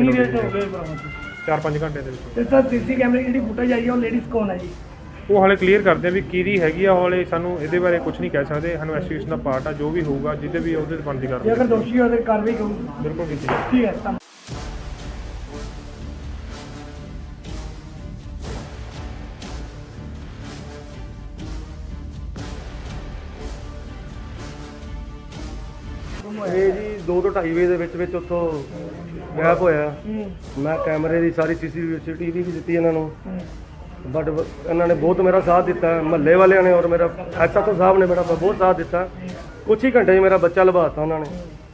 Speaker 3: 4-5 ਘੰਟੇ ਦੇ ਵਿੱਚ।
Speaker 2: ਤੇ ਸਰ, ਸੀਸੀ ਕੈਮਰੇ ਦੀ ਜਿਹੜੀ ਫੁਟੇਜ ਆਈ ਹੈ, ਉਹ ਲੇਡੀਜ਼ ਕੌਣ ਹੈ ਜੀ?
Speaker 3: ਉਹ ਹਾਲੇ ਕਲੀਅਰ ਕਰਦੇ ਆ ਵੀ ਕਿਹਦੀ ਹੈਗੀ ਆ। ਹਾਲੇ ਸਾਨੂੰ ਇਹਦੇ ਬਾਰੇ ਕੁਝ ਨਹੀਂ ਕਹਿ ਸਕਦੇ। ਇਨਵੈਸਟੀਗੇਸ਼ਨ ਦਾ ਪਾਰਟ ਆ, ਜੋ ਵੀ ਹੋਊਗਾ ਜਿਹਦੇ ਵੀ ਉਹਦੇ ਤੇ ਬਣਦੀ
Speaker 2: ਜੇ
Speaker 3: ਕਰਦੇ
Speaker 2: ਅਗਰ ਦੋਸ਼ੀ ਹੋਵੇ ਤਾਂ ਕਾਰਵਾਈ ਕਰੂੰ।
Speaker 3: ਬਿਲਕੁਲ ਕੀਤੀ
Speaker 2: ਠੀਕ ਹੈ, ਧੰਨਵਾਦ।
Speaker 1: ਇਹ ਜੀ 2 ਤੋਂ 2.5 ਵਜੇ ਦੇ ਵਿੱਚ ਉੱਥੋਂ ਗਾਇਬ ਹੋਇਆ। ਮੈਂ ਕੈਮਰੇ ਦੀ ਸਾਰੀ ਸੀਸੀਟੀਵੀ ਵੀ ਦਿੱਤੀ ਇਹਨਾਂ ਨੂੰ, ਬਟ ਇਹਨਾਂ ਨੇ ਬਹੁਤ ਮੇਰਾ ਸਾਥ ਦਿੱਤਾ। ਮਹੱਲੇ ਵਾਲਿਆਂ ਨੇ ਔਰ ਮੇਰਾ ਐਸਐਚਓ ਸਾਹਿਬ ਨੇ ਮੇਰਾ ਬਹੁਤ ਸਾਥ ਦਿੱਤਾ। ਕੁਛ ਹੀ ਘੰਟੇ 'ਚ ਮੇਰਾ ਬੱਚਾ ਲਵਾਤਾ ਉਹਨਾਂ ਨੇ।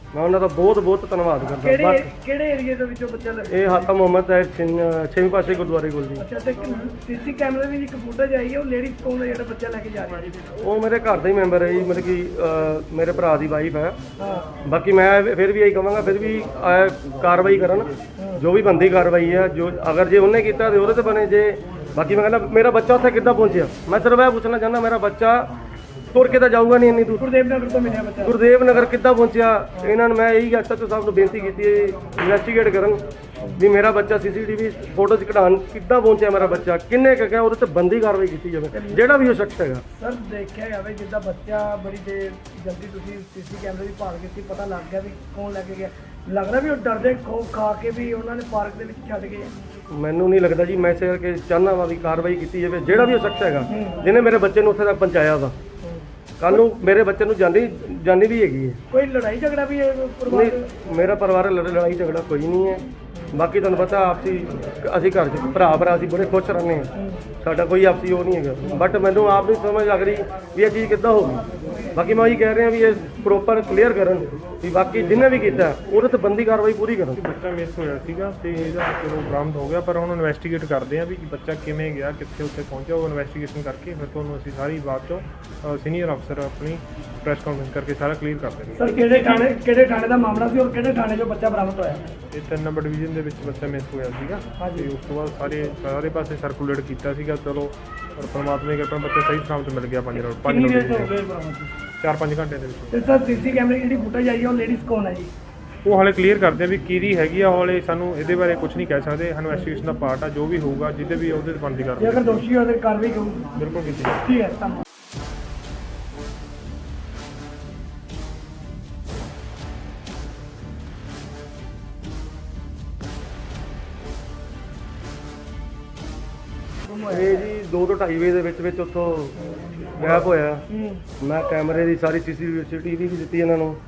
Speaker 1: ਮੈਂ ਉਹਨਾਂ ਦਾ ਬਹੁਤ ਬਹੁਤ ਧੰਨਵਾਦ ਕਰਦਾ।
Speaker 2: ਕਿਹੜੇ ਕਿਹੜੇ ਏਰੀਏ ਦੇ ਵਿੱਚੋਂ ਬੱਚਾ ਲੱਗਾ?
Speaker 1: ਇਹ ਹਾਤਾ ਮੁਹੰਮਦ ਹੈ 6ਵੇਂ ਪਾਸੇ ਗੁਰਦੁਆਰੇ ਕੋਲ ਜੀ।
Speaker 2: ਅੱਛਾ, ਤੇ ਸੀਸੀ ਕੈਮਰੇ ਦੀ ਇੱਕ ਫੁਟੇਜ ਆਈ ਹੈ, ਉਹ ਲੇਡੀ ਕੌਣ ਹੈ ਜਿਹੜਾ ਬੱਚਾ ਲੈ ਕੇ ਜਾ ਰਹੀ ਹੈ?
Speaker 1: ਉਹ ਮੇਰੇ ਘਰ ਦਾ ਹੀ ਮੈਂਬਰ ਹੈ ਜੀ, ਮਤਲਬ ਕਿ ਮੇਰੇ ਭਰਾ ਦੀ ਵਾਈਫ ਹੈ।
Speaker 2: ਹਾਂ,
Speaker 1: ਬਾਕੀ ਮੈਂ ਫਿਰ ਵੀ ਇਹੀ ਕਹਾਂਗਾ, ਫਿਰ ਵੀ ਕਾਰਵਾਈ ਕਰਨ, ਜੋ ਵੀ ਬੰਦੀ ਕਾਰਵਾਈ ਹੈ। ਜੋ ਅਗਰ ਜੇ ਉਹਨੇ ਕੀਤਾ ਤੇ ਉਹਦੇ ਤੇ ਬਣੇ। ਜੇ ਬਾਕੀ ਮੈਂ ਕਹਿੰਦਾ ਮੇਰਾ ਬੱਚਾ ਉੱਥੇ ਕਿੱਦਾਂ ਪਹੁੰਚਿਆ, ਮੈਂ ਸਿਰਫ ਇਹ ਪੁੱਛਣਾ ਚਾਹੁੰਦਾ, ਮੇਰਾ ਬੱਚਾ ਤੁਰ ਕੇ ਤਾਂ ਜਾਊਗਾ ਨਹੀਂ ਇੰਨੀ ਦੂਰ।
Speaker 2: ਗੁਰਦੇਵ ਨਗਰ ਤੋਂ ਮਿਲਿਆ ਬੱਚਾ।
Speaker 1: ਗੁਰਦੇਵ ਨਗਰ ਕਿੱਦਾਂ ਪਹੁੰਚਿਆ? ਇਹਨਾਂ ਨੂੰ ਮੈਂ ਇਹੀ ਐਸਐਚਓ ਸਾਹਿਬ ਨੂੰ ਬੇਨਤੀ ਕੀਤੀ ਹੈ, ਇਨਵੈਸਟੀਗੇਟ ਕਰਨ ਵੀ ਮੇਰਾ ਬੱਚਾ ਸੀਸੀਟੀਵੀ ਫੋਟੋਜ਼ ਕਢਾਉਣ ਕਿੱਦਾਂ ਪਹੁੰਚਿਆ, ਮੇਰਾ ਬੱਚਾ ਕਿੰਨੇ ਕੁ ਗਿਆ, ਉਹਦੇ ਤੇ ਬੰਦੀ ਕਾਰਵਾਈ ਕੀਤੀ ਜਾਵੇ, ਜਿਹੜਾ ਵੀ ਉਹ ਸ਼ਖਸ ਹੈਗਾ।
Speaker 2: ਸਰ, ਦੇਖਿਆ ਜਾਵੇ ਜਿੱਦਾਂ ਬੱਚਾ ਬੜੀ ਦੇਰ ਜਲਦੀ ਤੁਸੀਂ ਸੀਸੀ ਕੈਮਰੇ ਦੀ ਭਾਲ ਕੀਤੀ, ਪਤਾ ਲੱਗ ਗਿਆ ਵੀ ਕੌਣ ਲੈ ਕੇ ਗਿਆ। ਲੱਗਦਾ ਵੀ ਉਹ ਡਰਦੇ ਖੋਫ ਖਾ ਕੇ ਵੀ ਉਹਨਾਂ ਨੇ ਪਾਰਕ ਦੇ ਵਿੱਚ ਛੱਡ ਗਏ।
Speaker 1: ਮੈਨੂੰ ਨਹੀਂ ਲੱਗਦਾ ਜੀ, ਮੈਂ ਇਸੇ ਕਰਕੇ ਚਾਹੁੰਦਾ ਵਾ ਵੀ ਕਾਰਵਾਈ ਕੀਤੀ ਜਾਵੇ, ਜਿਹੜਾ ਵੀ ਉਹ ਸ਼ਖਸ ਹੈਗਾ ਜਿਹਨੇ ਮੇਰੇ ਬੱਚੇ ਨੂੰ ਉੱਥੇ ਤੱਕ ਪਹੁੰਚਾਇਆ ਵਾ। ਕੱਲ ਨੂੰ ਮੇਰੇ ਬੱਚੇ ਨੂੰ ਜਾਨੀ ਵੀ ਹੈਗੀ ਹੈ।
Speaker 2: ਕੋਈ ਲੜਾਈ ਝਗੜਾ ਵੀ ਹੈ ਪਰਿਵਾਰ ਦੇ?
Speaker 1: ਨਹੀਂ, ਮੇਰਾ ਪਰਿਵਾਰ ਲੜਾਈ ਝਗੜਾ ਕੋਈ ਨਹੀਂ ਹੈ। ਬਾਕੀ ਤੁਹਾਨੂੰ ਪਤਾ ਆਪਸੀ ਅਸੀਂ ਘਰ 'ਚ ਭਰਾ ਅਸੀਂ ਬੜੇ ਖੁਸ਼ ਰਹਿੰਦੇ ਹਾਂ, ਸਾਡਾ ਕੋਈ ਆਪਸੀ ਉਹ ਨਹੀਂ ਹੈਗਾ। ਬਟ ਮੈਨੂੰ ਆਪ ਨਹੀਂ ਸਮਝ ਲੱਗ ਰਹੀ ਵੀ ਇਹ ਚੀਜ਼ ਕਿੱਦਾਂ ਹੋ ਗਈ। ਬਾਕੀ ਮੈਂ ਉਹੀ ਕਹਿ ਰਿਹਾ ਵੀ ਇਹ ਪ੍ਰੋਪਰ ਕਲੀਅਰ ਕਰਨ ਵੀ ਬਾਕੀ ਜਿਹਨੇ ਵੀ ਕੀਤਾ ਉਹਦੇ ਤੇ ਬੰਦੀ ਕਾਰਵਾਈ ਪੂਰੀ ਕਰਨ।
Speaker 3: ਬੱਚਾ ਮਿਸ ਹੋਇਆ ਸੀਗਾ ਤੇ ਇਹਦਾ ਚਲੋ ਬਰਾਮਦ ਹੋ ਗਿਆ, ਪਰ ਹੁਣ ਇਨਵੈਸਟੀਗੇਟ ਕਰਦੇ ਆ ਵੀ ਬੱਚਾ ਕਿਵੇਂ ਗਿਆ, ਕਿੱਥੇ ਉੱਥੇ ਪਹੁੰਚਿਆ। ਉਹ ਇਨਵੈਸਟੀਗੇਸ਼ਨ ਕਰਕੇ ਫਿਰ ਤੁਹਾਨੂੰ ਅਸੀਂ ਸਾਰੀ ਬਾਤ ਚੋਂ ਸੀਨੀਅਰ ਅਫਸਰ ਆਪਣੀ ਪ੍ਰੈਸ ਕਾਨਫਰੰਸ ਕਰਕੇ ਸਾਰਾ ਕਲੀਅਰ ਕਰ ਦੇਣਗੇ।
Speaker 2: ਸਰ, ਕਿਹੜੇ ਥਾਣੇ ਦਾ ਮਾਮਲਾ ਸੀ ਔਰ ਕਿਹੜੇ ਥਾਣੇ 'ਚੋਂ ਬੱਚਾ ਬਰਾਮਦ ਹੋਇਆ?
Speaker 3: ਇਹ 3 ਨੰਬਰ ਡਿਵੀਜ਼ਨ ਦੇ ਵਿੱਚ ਬੱਚਾ ਮਿਸ ਹੋਇਆ ਸੀਗਾ ਤੇ ਉਸ ਤੋਂ ਬਾਅਦ ਸਾਰੇ ਪਾਸੇ ਸਰਕੂਲੇਟ ਕੀਤਾ ਸੀਗਾ। ਚਲੋ ਪਰ ਪਰਮਾਤਮਾ ਦੀ ਕਿਰਪਾ ਬੱਚਾ ਸਹੀ ਸਲਾਮਤ ਮਿਲ ਗਿਆ। 5
Speaker 2: ਕਿੰਨੀ ਦੇਰ 'ਚ ਹੋ ਗਏ ਬਰਾਮਦ?
Speaker 3: 4-5 ਘੰਟੇ ਦੇ ਵਿੱਚ।
Speaker 2: ਤੇ ਸਰ, ਸੀਸੀ ਕੈਮਰੇ ਦੀ ਜਿਹੜੀ ਫੁਟੇਜ ਆਈ ਹੈ, ਉਹ ਲੇਡੀਜ਼ ਕੌਣ ਹੈ ਜੀ?
Speaker 3: ਉਹ ਹਾਲੇ ਕਲੀਅਰ ਕਰਦੇ ਆ ਵੀ ਕਿਹਦੀ ਹੈਗੀ ਆ। ਹਾਲੇ ਸਾਨੂੰ ਇਹਦੇ ਬਾਰੇ ਕੁਝ ਨਹੀਂ ਕਹਿ ਸਕਦੇ। ਇਨਵੈਸਟੀਗੇਸ਼ਨ ਦਾ ਪਾਰਟ ਆ, ਜੋ ਵੀ ਹੋਊਗਾ ਜਿਹਦੇ ਵੀ ਉਹਦੇ ਤੇ ਬਣਦੀ
Speaker 2: ਜੇ
Speaker 3: ਕਰਦੇ
Speaker 2: ਅਗਰ ਦੋਸ਼ੀ ਹੋਵੇ ਤਾਂ ਕਾਰਵਾਈ ਕਰੂਗੀ।
Speaker 3: ਬਿਲਕੁਲ ਕੀਤੀ ਜਾਊਗੀ।
Speaker 2: ਠੀਕ ਹੈ, ਧੰਨਵਾਦ।
Speaker 1: ਇਹ ਜੀ 2 ਤੋਂ 2:30 ਵਜੇ ਦੇ ਵਿੱਚ ਉੱਥੋਂ ਗਾਇਬ ਹੋਇਆ। ਮੈਂ ਕੈਮਰੇ ਦੀ ਸਾਰੀ ਸੀਸੀਟੀਵੀ ਵੀ ਦਿੱਤੀ ਇਹਨਾਂ ਨੂੰ,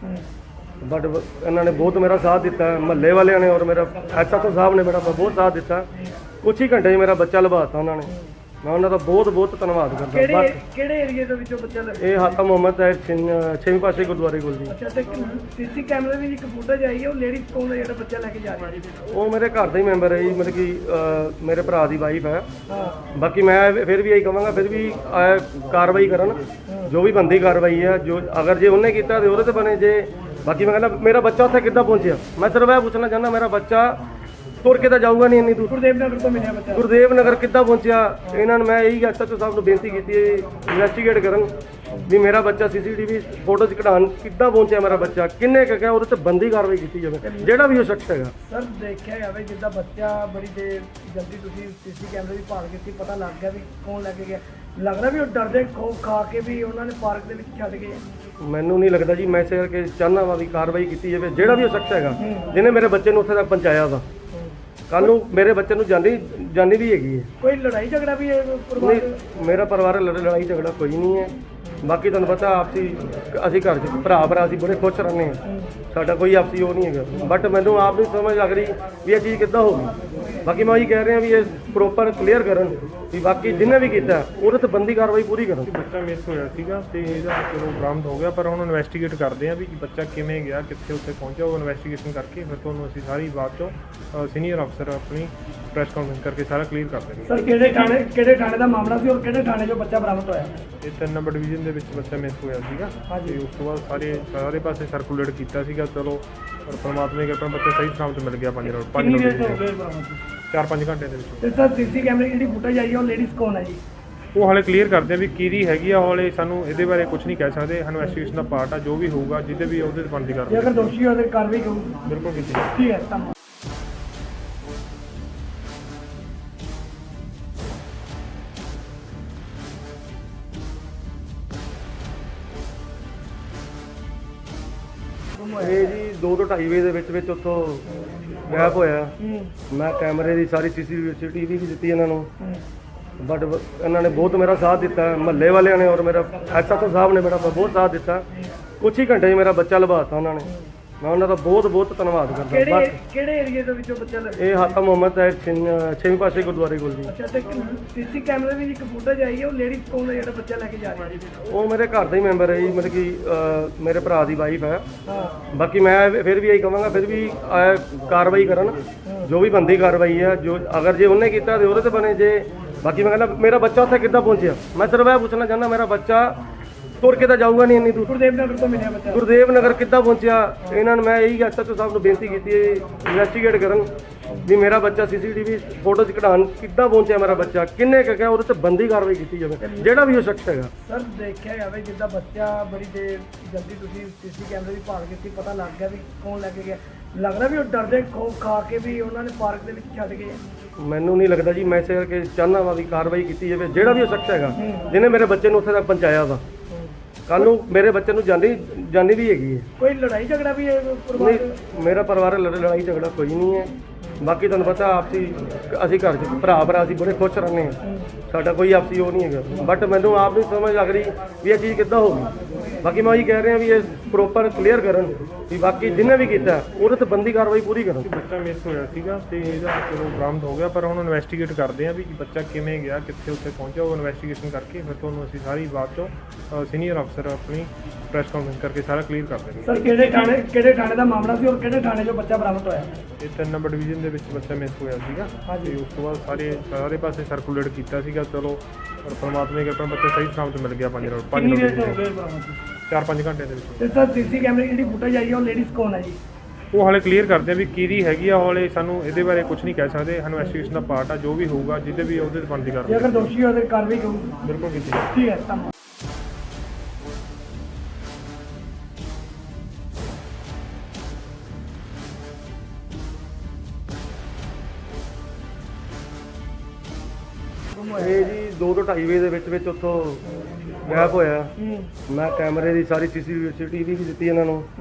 Speaker 1: ਬਟ ਇਹਨਾਂ ਨੇ ਬਹੁਤ ਮੇਰਾ ਸਾਥ ਦਿੱਤਾ, ਮਹੱਲੇ ਵਾਲਿਆਂ ਨੇ ਔਰ ਮੇਰਾ ਐਸਐਚਓ ਸਾਹਿਬ ਨੇ ਮੇਰਾ ਬਹੁਤ ਸਾਥ ਦਿੱਤਾ। ਕੁਛ ਹੀ ਘੰਟੇ 'ਚ ਮੇਰਾ ਬੱਚਾ ਲਭਾਤਾ ਉਹਨਾਂ ਨੇ। ਮੈਂ ਉਹਨਾਂ ਦਾ ਬਹੁਤ ਬਹੁਤ ਧੰਨਵਾਦ ਕਰਦਾ।
Speaker 2: ਕਿਹੜੇ ਏਰੀਏ ਦੇ ਵਿੱਚੋਂ ਬੱਚਾ ਲੱਗਾ?
Speaker 1: ਇਹ ਹਾਤਾ ਮੁਹੰਮਦ ਹੈ 6ਵੇਂ ਪਾਸੇ ਗੁਰਦੁਆਰੇ ਕੋਲ ਜੀ।
Speaker 2: ਅੱਛਾ, ਤੇ ਸੀਸੀ ਕੈਮਰੇ ਦੀ ਇੱਕ ਫੁਟੇਜ ਆਈ ਹੈ, ਉਹ ਲੇਡੀ ਕੌਣ ਹੈ ਜਿਹੜਾ ਬੱਚਾ ਲੈ ਕੇ ਜਾ ਰਹੀ ਹੈ?
Speaker 1: ਉਹ ਮੇਰੇ ਘਰ ਦਾ ਹੀ ਮੈਂਬਰ ਹੈ ਜੀ, ਮਤਲਬ ਕਿ ਮੇਰੇ ਭਰਾ ਦੀ ਵਾਈਫ ਹੈ।
Speaker 2: ਹਾਂ,
Speaker 1: ਬਾਕੀ ਮੈਂ ਫਿਰ ਵੀ ਇਹੀ ਕਹਾਂਗਾ, ਫਿਰ ਵੀ ਕਾਰਵਾਈ ਕਰਨ, ਜੋ ਵੀ ਬੰਦੀ ਕਾਰਵਾਈ ਹੈ। ਜੋ ਅਗਰ ਜੇ ਉਹਨੇ ਕੀਤਾ ਤੇ ਉਹਦੇ ਤੇ ਬਣੇ। ਜੇ ਬਾਕੀ ਮੈਂ ਕਹਿੰਦਾ ਮੇਰਾ ਬੱਚਾ ਉੱਥੇ ਕਿੱਦਾਂ ਪਹੁੰਚਿਆ, ਮੈਂ ਸਿਰਫ ਇਹ ਪੁੱਛਣਾ ਚਾਹੁੰਦਾ, ਮੇਰਾ ਬੱਚਾ ਤੁਰ ਕੇ ਤਾਂ ਜਾਊਗਾ ਨਹੀਂ ਇੰਨੀ ਦੂਰ।
Speaker 2: ਗੁਰਦੇਵ ਨਗਰ ਤੋਂ ਮਿਲਿਆ ਬੱਚਾ।
Speaker 1: ਗੁਰਦੇਵ ਨਗਰ ਕਿੱਦਾਂ ਪਹੁੰਚਿਆ? ਇਹਨਾਂ ਨੂੰ ਮੈਂ ਇਹੀ ਐਸਐਚਓ ਸਾਹਿਬ ਨੂੰ ਬੇਨਤੀ ਕੀਤੀ ਹੈ, ਇਨਵੈਸਟੀਗੇਟ ਕਰਨ ਵੀ ਮੇਰਾ ਬੱਚਾ ਸੀਸੀਟੀਵੀ ਫੋਟੋਜ਼ ਕਢਾਉਣ ਕਿੱਦਾਂ ਪਹੁੰਚਿਆ, ਮੇਰਾ ਬੱਚਾ ਕਿੰਨੇ ਕੁ ਗਿਆ, ਉਹਦੇ ਤੇ ਬੰਦੀ ਕਾਰਵਾਈ ਕੀਤੀ ਜਾਵੇ, ਜਿਹੜਾ ਵੀ ਉਹ ਸ਼ਖਸ ਹੈਗਾ।
Speaker 2: ਸਰ, ਦੇਖਿਆ ਜਾਵੇ ਜਿੱਦਾਂ ਬੱਚਾ ਬੜੀ ਦੇਰ ਜਲਦੀ ਤੁਸੀਂ ਸੀਸੀ ਕੈਮਰੇ ਦੀ ਭਾਲ ਕੀਤੀ, ਪਤਾ ਲੱਗ ਗਿਆ ਵੀ ਕੌਣ ਲੈ ਕੇ ਗਿਆ। ਲੱਗਦਾ ਵੀ ਉਹ ਡਰਦੇ ਖੋਫ ਖਾ ਕੇ ਵੀ ਉਹਨਾਂ ਨੇ ਪਾਰਕ ਦੇ ਵਿੱਚ ਛੱਡ ਗਏ।
Speaker 1: ਮੈਨੂੰ ਨਹੀਂ ਲੱਗਦਾ ਜੀ, ਮੈਂ ਇਸੇ ਕਰਕੇ ਚਾਹੁੰਦਾ ਵਾ ਵੀ ਕਾਰਵਾਈ ਕੀਤੀ ਜਾਵੇ, ਜਿਹੜਾ ਵੀ ਉਹ ਸ਼ਖਸ ਹੈਗਾ ਜਿਹਨੇ ਮੇਰੇ ਬੱਚੇ ਨੂੰ ਉੱਥੇ ਤੱਕ ਪਹੁੰਚਾਇਆ ਵਾ। ਕੱਲ ਨੂੰ ਮੇਰੇ ਬੱਚੇ ਨੂੰ ਜਾਨੀ ਵੀ ਹੈਗੀ ਹੈ।
Speaker 2: ਕੋਈ ਲੜਾਈ ਝਗੜਾ ਵੀ ਹੈ ਪਰਿਵਾਰ ਦੇ?
Speaker 1: ਨਹੀਂ, ਮੇਰਾ ਪਰਿਵਾਰ ਲੜਾਈ ਝਗੜਾ ਕੋਈ ਨਹੀਂ ਹੈ। ਬਾਕੀ ਤੁਹਾਨੂੰ ਪਤਾ ਆਪਸੀ ਅਸੀਂ ਘਰ 'ਚ ਭਰਾ ਅਸੀਂ ਬੜੇ ਖੁਸ਼ ਰਹਿੰਦੇ ਹਾਂ, ਸਾਡਾ ਕੋਈ ਆਪਸੀ ਉਹ ਨਹੀਂ ਹੈਗਾ। ਬਟ ਮੈਨੂੰ ਆਪ ਨਹੀਂ ਸਮਝ ਲੱਗ ਰਹੀ ਵੀ ਇਹ ਚੀਜ਼ ਕਿੱਦਾਂ ਹੋ ਗਈ। ਬਾਕੀ ਮੈਂ ਉਹੀ ਕਹਿ ਰਿਹਾ ਵੀ ਇਹ ਪ੍ਰੋਪਰ ਕਲੀਅਰ ਕਰਨ ਵੀ ਬਾਕੀ ਜਿਹਨੇ ਵੀ ਕੀਤਾ ਉਹਦੇ ਤੇ ਬੰਦੀ ਕਾਰਵਾਈ ਪੂਰੀ ਕਰਨ।
Speaker 3: ਬੱਚਾ ਮਿਸ ਹੋਇਆ ਸੀਗਾ ਤੇ ਇਹਦਾ ਚਲੋ ਬਰਾਮਦ ਹੋ ਗਿਆ, ਪਰ ਹੁਣ ਇਨਵੈਸਟੀਗੇਟ ਕਰਦੇ ਆ ਵੀ ਬੱਚਾ ਕਿਵੇਂ ਗਿਆ, ਕਿੱਥੇ ਉੱਥੇ ਪਹੁੰਚਿਆ। ਉਹ ਇਨਵੈਸਟੀਗੇਸ਼ਨ ਕਰਕੇ ਫਿਰ ਤੁਹਾਨੂੰ ਅਸੀਂ ਸਾਰੀ ਬਾਤ ਚੋਂ ਸੀਨੀਅਰ ਅਫਸਰ ਆਪਣੀ ਪ੍ਰੈਸ ਕਾਨਫਰੰਸ ਕਰਕੇ ਸਾਰਾ ਕਲੀਅਰ ਕਰ ਦੇਣਗੇ।
Speaker 2: ਸਰ, ਕਿਹੜੇ ਥਾਣੇ ਦਾ ਮਾਮਲਾ ਸੀ ਔਰ ਕਿਹੜੇ ਥਾਣੇ 'ਚੋਂ ਬੱਚਾ ਬਰਾਮਦ ਹੋਇਆ?
Speaker 3: ਇਹ 3 ਨੰਬਰ ਡਿਵੀਜ਼ਨ ਦੇ ਵਿੱਚ ਬੱਚਾ ਮਿਸ ਹੋਇਆ ਸੀਗਾ ਤੇ ਉਸ ਤੋਂ ਬਾਅਦ ਸਾਰੇ ਪਾਸੇ ਸਰਕੂਲੇਟ ਕੀਤਾ ਸੀਗਾ। ਚਲੋ ਪਰ ਪਰਮਾਤਮਾ ਦੀ ਕਿਰਪਾ ਬੱਚਾ ਸਹੀ ਸਲਾਮਤ ਮਿਲ ਗਿਆ। 5
Speaker 2: ਕਿੰਨੀ ਦੇਰ 'ਚ ਹੋ ਗਏ ਬਰਾਮਦ?
Speaker 3: 4-5 ਘੰਟੇ ਦੇ ਵਿੱਚ।
Speaker 2: ਤੇ ਸਰ, ਸੀਸੀ ਕੈਮਰੇ ਦੀ ਜਿਹੜੀ ਫੁਟੇਜ ਆਈ ਹੈ, ਉਹ ਲੇਡੀਜ਼ ਕੌਣ ਹੈ ਜੀ?
Speaker 3: ਉਹ ਹਾਲੇ ਕਲੀਅਰ ਕਰਦੇ ਆ ਵੀ ਕਿਹਦੀ ਹੈਗੀ ਆ। ਹਾਲੇ ਸਾਨੂੰ ਇਹਦੇ ਬਾਰੇ ਕੁਝ ਨਹੀਂ ਕਹਿ ਸਕਦੇ। ਇਨਵੈਸਟੀਗੇਸ਼ਨ ਦਾ ਪਾਰਟ ਆ, ਜੋ ਵੀ ਹੋਊਗਾ ਜਿਹਦੇ ਵੀ ਉਹਦੇ ਤੇ ਬਣਦੀ
Speaker 2: ਜੇ
Speaker 3: ਕਰਦੇ
Speaker 2: ਅਗਰ ਦੋਸ਼ੀ ਹੋਵੇ ਤਾਂ ਕਾਰਵਾਈ ਕਰੂਗੀ।
Speaker 3: ਬਿਲਕੁਲ ਕੀਤੀ ਜਾਊਗੀ।
Speaker 2: ਠੀਕ ਹੈ, ਧੰਨਵਾਦ।
Speaker 1: ਇਹ ਜੀ 2 ਤੋਂ 2:30 ਵਜੇ ਦੇ ਵਿੱਚ ਉੱਥੋਂ ਗਾਇਬ ਹੋਇਆ। ਮੈਂ ਕੈਮਰੇ ਦੀ ਸਾਰੀ ਸੀਸੀਟੀਵੀ ਵੀ ਦਿੱਤੀ ਇਹਨਾਂ ਨੂੰ, ਬਟ ਇਹਨਾਂ ਨੇ ਬਹੁਤ ਮੇਰਾ ਸਾਥ ਦਿੱਤਾ, ਮਹੱਲੇ ਵਾਲਿਆਂ ਨੇ ਔਰ ਮੇਰਾ ਐਸਐਚਓ ਸਾਹਿਬ ਨੇ ਮੇਰਾ ਬਹੁਤ ਸਾਥ ਦਿੱਤਾ। ਕੁਛ ਹੀ ਘੰਟੇ 'ਚ ਮੇਰਾ ਬੱਚਾ ਲਭਾਤਾ ਉਹਨਾਂ ਨੇ। ਮੈਂ ਉਹਨਾਂ ਦਾ ਬਹੁਤ ਬਹੁਤ ਧੰਨਵਾਦ ਕਰਦਾ।
Speaker 2: ਕਿਹੜੇ ਕਿਹੜੇ ਏਰੀਏ ਦੇ ਵਿੱਚੋਂ ਬੱਚਾ ਲੱਗਾ?
Speaker 1: ਇਹ ਹਾਤਾ ਮੁਹੰਮਦ ਹੈ 6ਵੇਂ ਪਾਸੇ ਗੁਰਦੁਆਰੇ ਕੋਲ ਜੀ।
Speaker 2: ਅੱਛਾ, ਤੇ ਸੀਸੀ ਕੈਮਰੇ ਦੀ ਇੱਕ ਫੁਟੇਜ ਆਈ ਹੈ, ਉਹ ਲੇਡੀਜ਼ ਕੌਣ ਹੈ ਜਿਹੜਾ ਬੱਚਾ ਲੈ ਕੇ ਜਾ ਰਹੀ ਹੈ?
Speaker 1: ਉਹ ਮੇਰੇ ਘਰ ਦਾ ਹੀ ਮੈਂਬਰ ਹੈ ਜੀ, ਮਤਲਬ ਕਿ ਮੇਰੇ ਭਰਾ ਦੀ ਵਾਈਫ ਹੈ।
Speaker 2: ਹਾਂ,
Speaker 1: ਬਾਕੀ ਮੈਂ ਫਿਰ ਵੀ ਇਹੀ ਕਹਾਂਗਾ, ਫਿਰ ਵੀ ਕਾਰਵਾਈ ਕਰਨ, ਜੋ ਵੀ ਬੰਦੀ ਕਾਰਵਾਈ ਹੈ। ਜੋ ਅਗਰ ਜੇ ਉਹਨੇ ਕੀਤਾ ਤੇ ਉਹਦੇ ਤੇ ਬਣੇ। ਜੇ ਬਾਕੀ ਮੈਂ ਕਹਿੰਦਾ ਮੇਰਾ ਬੱਚਾ ਉੱਥੇ ਕਿੱਦਾਂ ਪਹੁੰਚਿਆ, ਮੈਂ ਸਿਰਫ ਇਹ ਪੁੱਛਣਾ ਚਾਹੁੰਦਾ, ਮੇਰਾ ਬੱਚਾ ਤੁਰ ਕੇ ਤਾਂ ਜਾਊਗਾ ਨਹੀਂ ਇੰਨੀ ਦੂਰ।
Speaker 2: ਗੁਰਦੇਵ ਨਗਰ ਤੋਂ ਮਿਲਿਆ ਬੱਚਾ।
Speaker 1: ਗੁਰਦੇਵ ਨਗਰ ਕਿੱਦਾਂ ਪਹੁੰਚਿਆ? ਇਹਨਾਂ ਨੂੰ ਮੈਂ ਇਹੀ ਐਸਐਚਓ ਸਾਹਿਬ ਨੂੰ ਬੇਨਤੀ ਕੀਤੀ ਹੈ, ਇਨਵੈਸਟੀਗੇਟ ਕਰਨ ਵੀ ਮੇਰਾ ਬੱਚਾ ਸੀਸੀਟੀਵੀ ਫੋਟੋ 'ਚ ਕਢਾਉਣ ਕਿੱਦਾਂ ਪਹੁੰਚਿਆ, ਮੇਰਾ ਬੱਚਾ ਕਿੰਨੇ ਕੁ ਗਿਆ, ਉਹਦੇ ਤੇ ਬੰਦੀ ਕਾਰਵਾਈ ਕੀਤੀ ਜਾਵੇ, ਜਿਹੜਾ ਵੀ ਉਹ ਸ਼ਖਸ ਹੈਗਾ।
Speaker 2: ਸਰ, ਦੇਖਿਆ ਜਾਵੇ ਜਿੱਦਾਂ ਬੱਚਾ ਬੜੀ ਦੇਰ ਜਲਦੀ ਤੁਸੀਂ ਸੀਸੀ ਕੈਮਰੇ ਦੀ ਭਾਲ ਕੀਤੀ, ਪਤਾ ਲੱਗ ਗਿਆ ਵੀ ਕੌਣ ਲੈ ਕੇ ਗਿਆ। ਲੱਗਦਾ ਵੀ ਉਹ ਡਰਦੇ ਖਾ ਕੇ ਵੀ ਉਹਨਾਂ ਨੇ ਪਾਰਕ ਦੇ ਵਿੱਚ ਛੱਡ ਗਏ।
Speaker 1: ਮੈਨੂੰ ਨਹੀਂ ਲੱਗਦਾ ਜੀ, ਮੈਂ ਇਸੇ ਕਰਕੇ ਚਾਹੁੰਦਾ ਵਾ ਵੀ ਕਾਰਵਾਈ ਕੀਤੀ ਜਾਵੇ, ਜਿਹੜਾ ਵੀ ਉਹ ਸ਼ਖਸ ਹੈਗਾ ਜਿਹਨੇ ਮੇਰੇ ਬੱਚੇ ਨੂੰ ਉੱਥੇ ਤੱਕ ਪਹੁੰਚਾਇਆ ਵਾ। ਕੱਲ ਨੂੰ ਮੇਰੇ ਬੱਚੇ ਨੂੰ ਜਾਨੀ ਵੀ ਹੈਗੀ ਹੈ।
Speaker 2: ਕੋਈ ਲੜਾਈ ਝਗੜਾ ਵੀ ਹੈ ਪਰਿਵਾਰ ਦੇ?
Speaker 1: ਨਹੀਂ, ਮੇਰਾ ਪਰਿਵਾਰ ਲੜਾਈ ਝਗੜਾ ਕੋਈ ਨਹੀਂ ਹੈ। ਬਾਕੀ ਤੁਹਾਨੂੰ ਪਤਾ ਆਪਸੀ ਅਸੀਂ ਘਰ 'ਚ ਭਰਾ ਅਸੀਂ ਬੜੇ ਖੁਸ਼ ਰਹਿੰਦੇ ਹਾਂ, ਸਾਡਾ ਕੋਈ ਆਪਸੀ ਉਹ ਨਹੀਂ ਹੈਗਾ। ਬਟ ਮੈਨੂੰ ਆਪ ਨਹੀਂ ਸਮਝ ਲੱਗ ਰਹੀ ਵੀ ਇਹ ਚੀਜ਼ ਕਿੱਦਾਂ ਹੋ ਗਈ। ਬਾਕੀ ਮੈਂ ਉਹੀ ਕਹਿ ਰਿਹਾ ਵੀ ਇਹ ਪ੍ਰੋਪਰ ਕਲੀਅਰ ਕਰਨ ਵੀ ਬਾਕੀ ਜਿਹਨੇ ਵੀ ਕੀਤਾ ਉਹਦੇ ਤੇ ਬੰਦੀ ਕਾਰਵਾਈ ਪੂਰੀ ਕਰਨ।
Speaker 3: ਬੱਚਾ ਮਿਸ ਹੋਇਆ ਸੀਗਾ ਤੇ ਇਹਦਾ ਚਲੋ ਬਰਾਮਦ ਹੋ ਗਿਆ, ਪਰ ਹੁਣ ਇਨਵੈਸਟੀਗੇਟ ਕਰਦੇ ਆ ਵੀ ਬੱਚਾ ਕਿਵੇਂ ਗਿਆ, ਕਿੱਥੇ ਉੱਥੇ ਪਹੁੰਚਿਆ। ਉਹ ਇਨਵੈਸਟੀਗੇਸ਼ਨ ਕਰਕੇ ਫਿਰ ਤੁਹਾਨੂੰ ਅਸੀਂ ਸਾਰੀ ਬਾਤ ਚੋਂ ਸੀਨੀਅਰ ਅਫਸਰ ਆਪਣੀ ਪ੍ਰੈਸ ਕਾਨਫਰੰਸ ਕਰਕੇ ਸਾਰਾ ਕਲੀਅਰ ਕਰ ਦੇਣਗੇ।
Speaker 2: ਸਰ, ਕਿਹੜੇ ਥਾਣੇ ਦਾ ਮਾਮਲਾ ਸੀ ਔਰ ਕਿਹੜੇ ਥਾਣੇ 'ਚੋਂ ਬੱਚਾ ਬਰਾਮਦ ਹੋਇਆ?
Speaker 3: ਇਹ 3 ਨੰਬਰ ਡਿਵੀਜ਼ਨ ਦੇ ਵਿੱਚ ਬੱਚਾ ਮਿਸ ਹੋਇਆ ਸੀਗਾ ਤੇ ਉਸ ਤੋਂ ਬਾਅਦ ਸਾਰੇ ਪਾਸੇ ਸਰਕੂਲੇਟ ਕੀਤਾ ਸੀਗਾ। ਚਲੋ ਪਰ ਪਰਮਾਤਮਾ ਦੀ ਕਿਰਪਾ ਨਾਲ ਬੱਚਾ ਸਹੀ ਸਲਾਮਤ ਮਿਲ ਗਿਆ। 5 ਰੋਡ 4-5 ਘੰਟੇ ਦੇ ਵਿੱਚ।
Speaker 2: ਤੇ ਸਰ, ਸੀਸੀ ਕੈਮਰੇ ਦੀ ਜਿਹੜੀ ਫੁਟੇਜ ਆਈ ਹੈ, ਉਹ ਲੇਡੀਜ਼ ਕੌਣ ਹੈ ਜੀ?
Speaker 3: ਉਹ ਹਾਲੇ ਕਲੀਅਰ ਕਰਦੇ ਆ ਵੀ ਕਿਹਦੀ ਹੈਗੀ ਆ। ਹਾਲੇ ਸਾਨੂੰ ਇਹਦੇ ਬਾਰੇ ਕੁਝ ਨਹੀਂ ਕਹਿ ਸਕਦੇ। ਇਨਵੈਸਟੀਗੇਸ਼ਨ ਦਾ ਪਾਰਟ ਆ, ਜੋ ਵੀ ਹੋਊਗਾ ਜਿਹਦੇ ਵੀ ਉਹਦੇ ਤੇ ਬਣਦੀ
Speaker 2: ਜੇ
Speaker 3: ਕਰਦੇ
Speaker 2: ਅਗਰ ਦੋਸ਼ੀ ਹੋਵੇ ਤਾਂ ਕਾਰਵਾਈ ਕਰੂੰ।
Speaker 3: ਬਿਲਕੁਲ ਕੀਤੀ ਜਾਊਗੀ।
Speaker 2: ਠੀਕ ਹੈ, ਧੰਨਵਾਦ।
Speaker 1: ਇਹ ਜੀ 2 ਤੋਂ 2.5 ਵਜੇ ਦੇ ਵਿੱਚ ਉੱਥੋਂ ਗਾਇਬ ਹੋਇਆ। ਮੈਂ ਕੈਮਰੇ ਦੀ ਸਾਰੀ ਸੀਸੀਟੀਵੀ ਵੀ ਦਿੱਤੀ ਇਹਨਾਂ ਨੂੰ,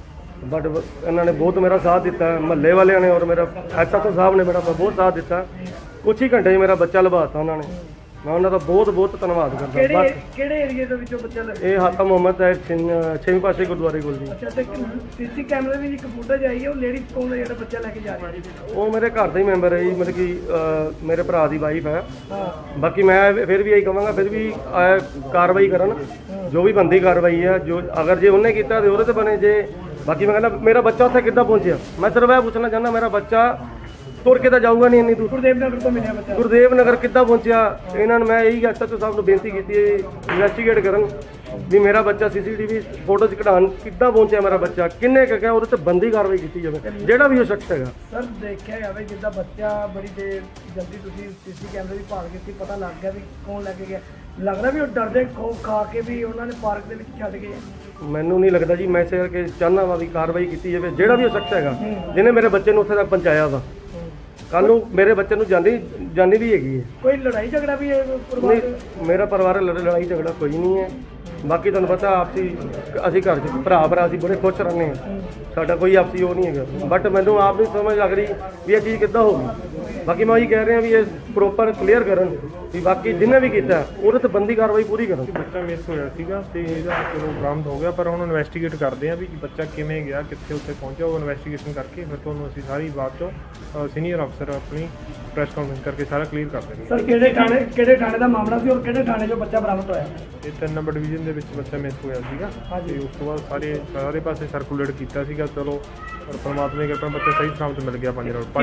Speaker 1: ਬਟ ਇਹਨਾਂ ਨੇ ਬਹੁਤ ਮੇਰਾ ਸਾਥ ਦਿੱਤਾ, ਮਹੱਲੇ ਵਾਲਿਆਂ ਨੇ ਔਰ ਮੇਰਾ ਐਸਐਚਓ ਸਾਹਿਬ ਨੇ ਮੇਰਾ ਬਹੁਤ ਸਾਥ ਦਿੱਤਾ। ਕੁਛ ਹੀ ਘੰਟੇ 'ਚ ਮੇਰਾ ਬੱਚਾ ਲਭਾਤਾ ਉਹਨਾਂ ਨੇ। ਮੈਂ ਉਹਨਾਂ ਦਾ ਬਹੁਤ ਬਹੁਤ ਧੰਨਵਾਦ ਕਰਦਾ।
Speaker 2: ਕਿਹੜੇ ਏਰੀਏ ਦੇ ਵਿੱਚੋਂ ਬੱਚਾ ਲੱਗਾ?
Speaker 1: ਇਹ ਹਾਤਾ ਮੁਹੰਮਦ ਹੈ 6ਵੇਂ ਪਾਸੇ ਗੁਰਦੁਆਰੇ ਕੋਲ ਜੀ।
Speaker 2: ਅੱਛਾ, ਤੇ ਸੀਸੀ ਕੈਮਰੇ ਦੀ ਇੱਕ ਫੁਟੇਜ ਆਈ ਹੈ, ਉਹ ਲੇਡੀਜ਼ ਕੌਣ ਹੈ ਜਿਹੜਾ ਬੱਚਾ ਲੈ ਕੇ ਜਾ ਰਹੀ ਹੈ?
Speaker 1: ਉਹ ਮੇਰੇ ਘਰ ਦਾ ਹੀ ਮੈਂਬਰ ਹੈ ਜੀ, ਮਤਲਬ ਕਿ ਮੇਰੇ ਭਰਾ ਦੀ ਵਾਈਫ ਹੈ।
Speaker 2: ਹਾਂ,
Speaker 1: ਬਾਕੀ ਮੈਂ ਫਿਰ ਵੀ ਇਹੀ ਕਹਾਂਗਾ, ਫਿਰ ਵੀ ਕਾਰਵਾਈ ਕਰਨ, ਜੋ ਵੀ ਬੰਦੀ ਕਾਰਵਾਈ ਹੈ। ਜੋ ਅਗਰ ਜੇ ਉਹਨੇ ਕੀਤਾ ਤੇ ਉਹਦੇ ਤੇ ਬਣੇ। ਜੇ ਬਾਕੀ ਮੈਂ ਕਹਿੰਦਾ ਮੇਰਾ ਬੱਚਾ ਉੱਥੇ ਕਿੱਦਾਂ ਪਹੁੰਚਿਆ, ਮੈਂ ਸਿਰਫ ਇਹ ਪੁੱਛਣਾ ਚਾਹੁੰਦਾ, ਮੇਰਾ ਬੱਚਾ ਤੁਰ ਕੇ ਤਾਂ ਜਾਊਗਾ ਨਹੀਂ ਇੰਨੀ ਦੂਰ।
Speaker 2: ਗੁਰਦੇਵ ਨਗਰ ਤੋਂ ਮਿਲਿਆ ਬੱਚਾ।
Speaker 1: ਗੁਰਦੇਵ ਨਗਰ ਕਿੱਦਾਂ ਪਹੁੰਚਿਆ? ਇਹਨਾਂ ਨੂੰ ਮੈਂ ਇਹੀ ਐਸਐਚਓ ਸਾਹਿਬ ਨੂੰ ਬੇਨਤੀ ਕੀਤੀ ਹੈ, ਇਨਵੈਸਟੀਗੇਟ ਕਰਨ ਵੀ ਮੇਰਾ ਬੱਚਾ ਸੀਸੀਟੀਵੀ ਫੋਟੋ 'ਚ ਕਢਾਉਣ ਕਿੱਦਾਂ ਪਹੁੰਚਿਆ, ਮੇਰਾ ਬੱਚਾ ਕਿੰਨੇ ਕੁ ਗਿਆ, ਉਹਦੇ ਤੇ ਬੰਦੀ ਕਾਰਵਾਈ ਕੀਤੀ ਜਾਵੇ, ਜਿਹੜਾ ਵੀ ਉਹ ਸ਼ਖਸ ਹੈਗਾ।
Speaker 2: ਸਰ, ਦੇਖਿਆ ਜਾਵੇ ਜਿੱਦਾਂ ਬੱਚਾ ਬੜੀ ਦੇਰ ਜਲਦੀ ਤੁਸੀਂ ਸੀਸੀ ਕੈਮਰੇ ਦੀ ਭਾਲ ਕੀਤੀ, ਪਤਾ ਲੱਗ ਗਿਆ ਵੀ ਕੌਣ ਲੈ ਕੇ ਗਿਆ। ਲੱਗਦਾ ਵੀ ਉਹ ਡਰਦੇ ਖਾ ਕੇ ਵੀ ਉਹਨਾਂ ਨੇ ਪਾਰਕ ਦੇ ਵਿੱਚ ਛੱਡ ਗਏ।
Speaker 1: ਮੈਨੂੰ ਨਹੀਂ ਲੱਗਦਾ ਜੀ, ਮੈਂ ਇਸੇ ਕਰਕੇ ਚਾਹੁੰਦਾ ਵਾ ਵੀ ਕਾਰਵਾਈ ਕੀਤੀ ਜਾਵੇ, ਜਿਹੜਾ ਵੀ ਉਹ ਸ਼ਖਸ ਹੈਗਾ ਜਿਹਨੇ ਮੇਰੇ ਬੱਚੇ ਨੂੰ ਉੱਥੇ ਤੱਕ ਪਹੁੰਚਾਇਆ ਵਾ। ਕੱਲ ਨੂੰ ਮੇਰੇ ਬੱਚੇ ਨੂੰ ਜਾਨੀ ਵੀ ਹੈਗੀ ਹੈ।
Speaker 2: ਕੋਈ ਲੜਾਈ ਝਗੜਾ ਵੀ ਹੈ ਪਰਿਵਾਰ
Speaker 1: ਨਹੀਂ,
Speaker 2: ਦੇ?
Speaker 1: ਮੇਰਾ ਪਰਿਵਾਰ ਲੜਾਈ ਝਗੜਾ ਕੋਈ ਨਹੀਂ ਹੈ। ਬਾਕੀ ਤੁਹਾਨੂੰ ਪਤਾ ਆਪਸੀ ਅਸੀਂ ਘਰ 'ਚ ਭਰਾ ਅਸੀਂ ਬੜੇ ਖੁਸ਼ ਰਹਿੰਦੇ ਹਾਂ, ਸਾਡਾ ਕੋਈ ਆਪਸੀ ਉਹ ਨਹੀਂ ਹੈਗਾ। ਬਟ ਮੈਨੂੰ ਆਪ ਨਹੀਂ ਸਮਝ ਲੱਗ ਰਹੀ ਵੀ ਇਹ ਚੀਜ਼ ਕਿੱਦਾਂ ਹੋ ਗਈ। ਬਾਕੀ ਮੈਂ ਉਹੀ ਕਹਿ ਰਿਹਾ ਵੀ ਇਹ ਪ੍ਰੋਪਰ ਕਲੀਅਰ ਕਰਨ ਵੀ ਬਾਕੀ ਜਿਹਨੇ ਵੀ ਕੀਤਾ ਉਹਦੇ ਤੇ ਬੰਦੀ ਕਾਰਵਾਈ ਪੂਰੀ ਕਰਨ।
Speaker 3: ਬੱਚਾ ਮਿਸ ਹੋਇਆ ਸੀਗਾ ਤੇ ਇਹਦਾ ਚਲੋ ਬਰਾਮਦ ਹੋ ਗਿਆ, ਪਰ ਹੁਣ ਇਨਵੈਸਟੀਗੇਟ ਕਰਦੇ ਆ ਵੀ ਬੱਚਾ ਕਿਵੇਂ ਗਿਆ, ਕਿੱਥੇ ਉੱਥੇ ਪਹੁੰਚਿਆ। ਉਹ ਇਨਵੈਸਟੀਗੇਸ਼ਨ ਕਰਕੇ ਫਿਰ ਤੁਹਾਨੂੰ ਅਸੀਂ ਸਾਰੀ ਬਾਤ ਚੋਂ ਸੀਨੀਅਰ ਅਫਸਰ ਆਪਣੀ ਪ੍ਰੈਸ ਕਾਨਫਰੰਸ ਕਰਕੇ ਸਾਰਾ ਕਲੀਅਰ ਕਰ ਦੇਣਗੇ।
Speaker 2: ਸਰ, ਕਿਹੜੇ ਥਾਣੇ ਦਾ ਮਾਮਲਾ ਸੀ ਔਰ ਕਿਹੜੇ ਥਾਣੇ 'ਚੋਂ ਬੱਚਾ ਬਰਾਮਦ ਹੋਇਆ?
Speaker 3: ਇਹ 3 ਨੰਬਰ ਡਿਵੀਜ਼ਨ ਦੇ ਵਿੱਚ ਬੱਚਾ ਮਿਸ ਹੋਇਆ ਸੀਗਾ ਤੇ ਉਸ ਤੋਂ ਬਾਅਦ ਸਾਰੇ ਪਾਸੇ ਸਰਕੂਲੇਟ ਕੀਤਾ ਸੀਗਾ। ਚਲੋ ਪਰ ਪਰਮਾਤਮਾ ਦੀ ਕਿਰਪਾ ਨਾਲ ਬੱਚਾ ਸਹੀ ਸਲਾਮਤ ਮਿਲ ਗਿਆ। 5 ਰੋਡ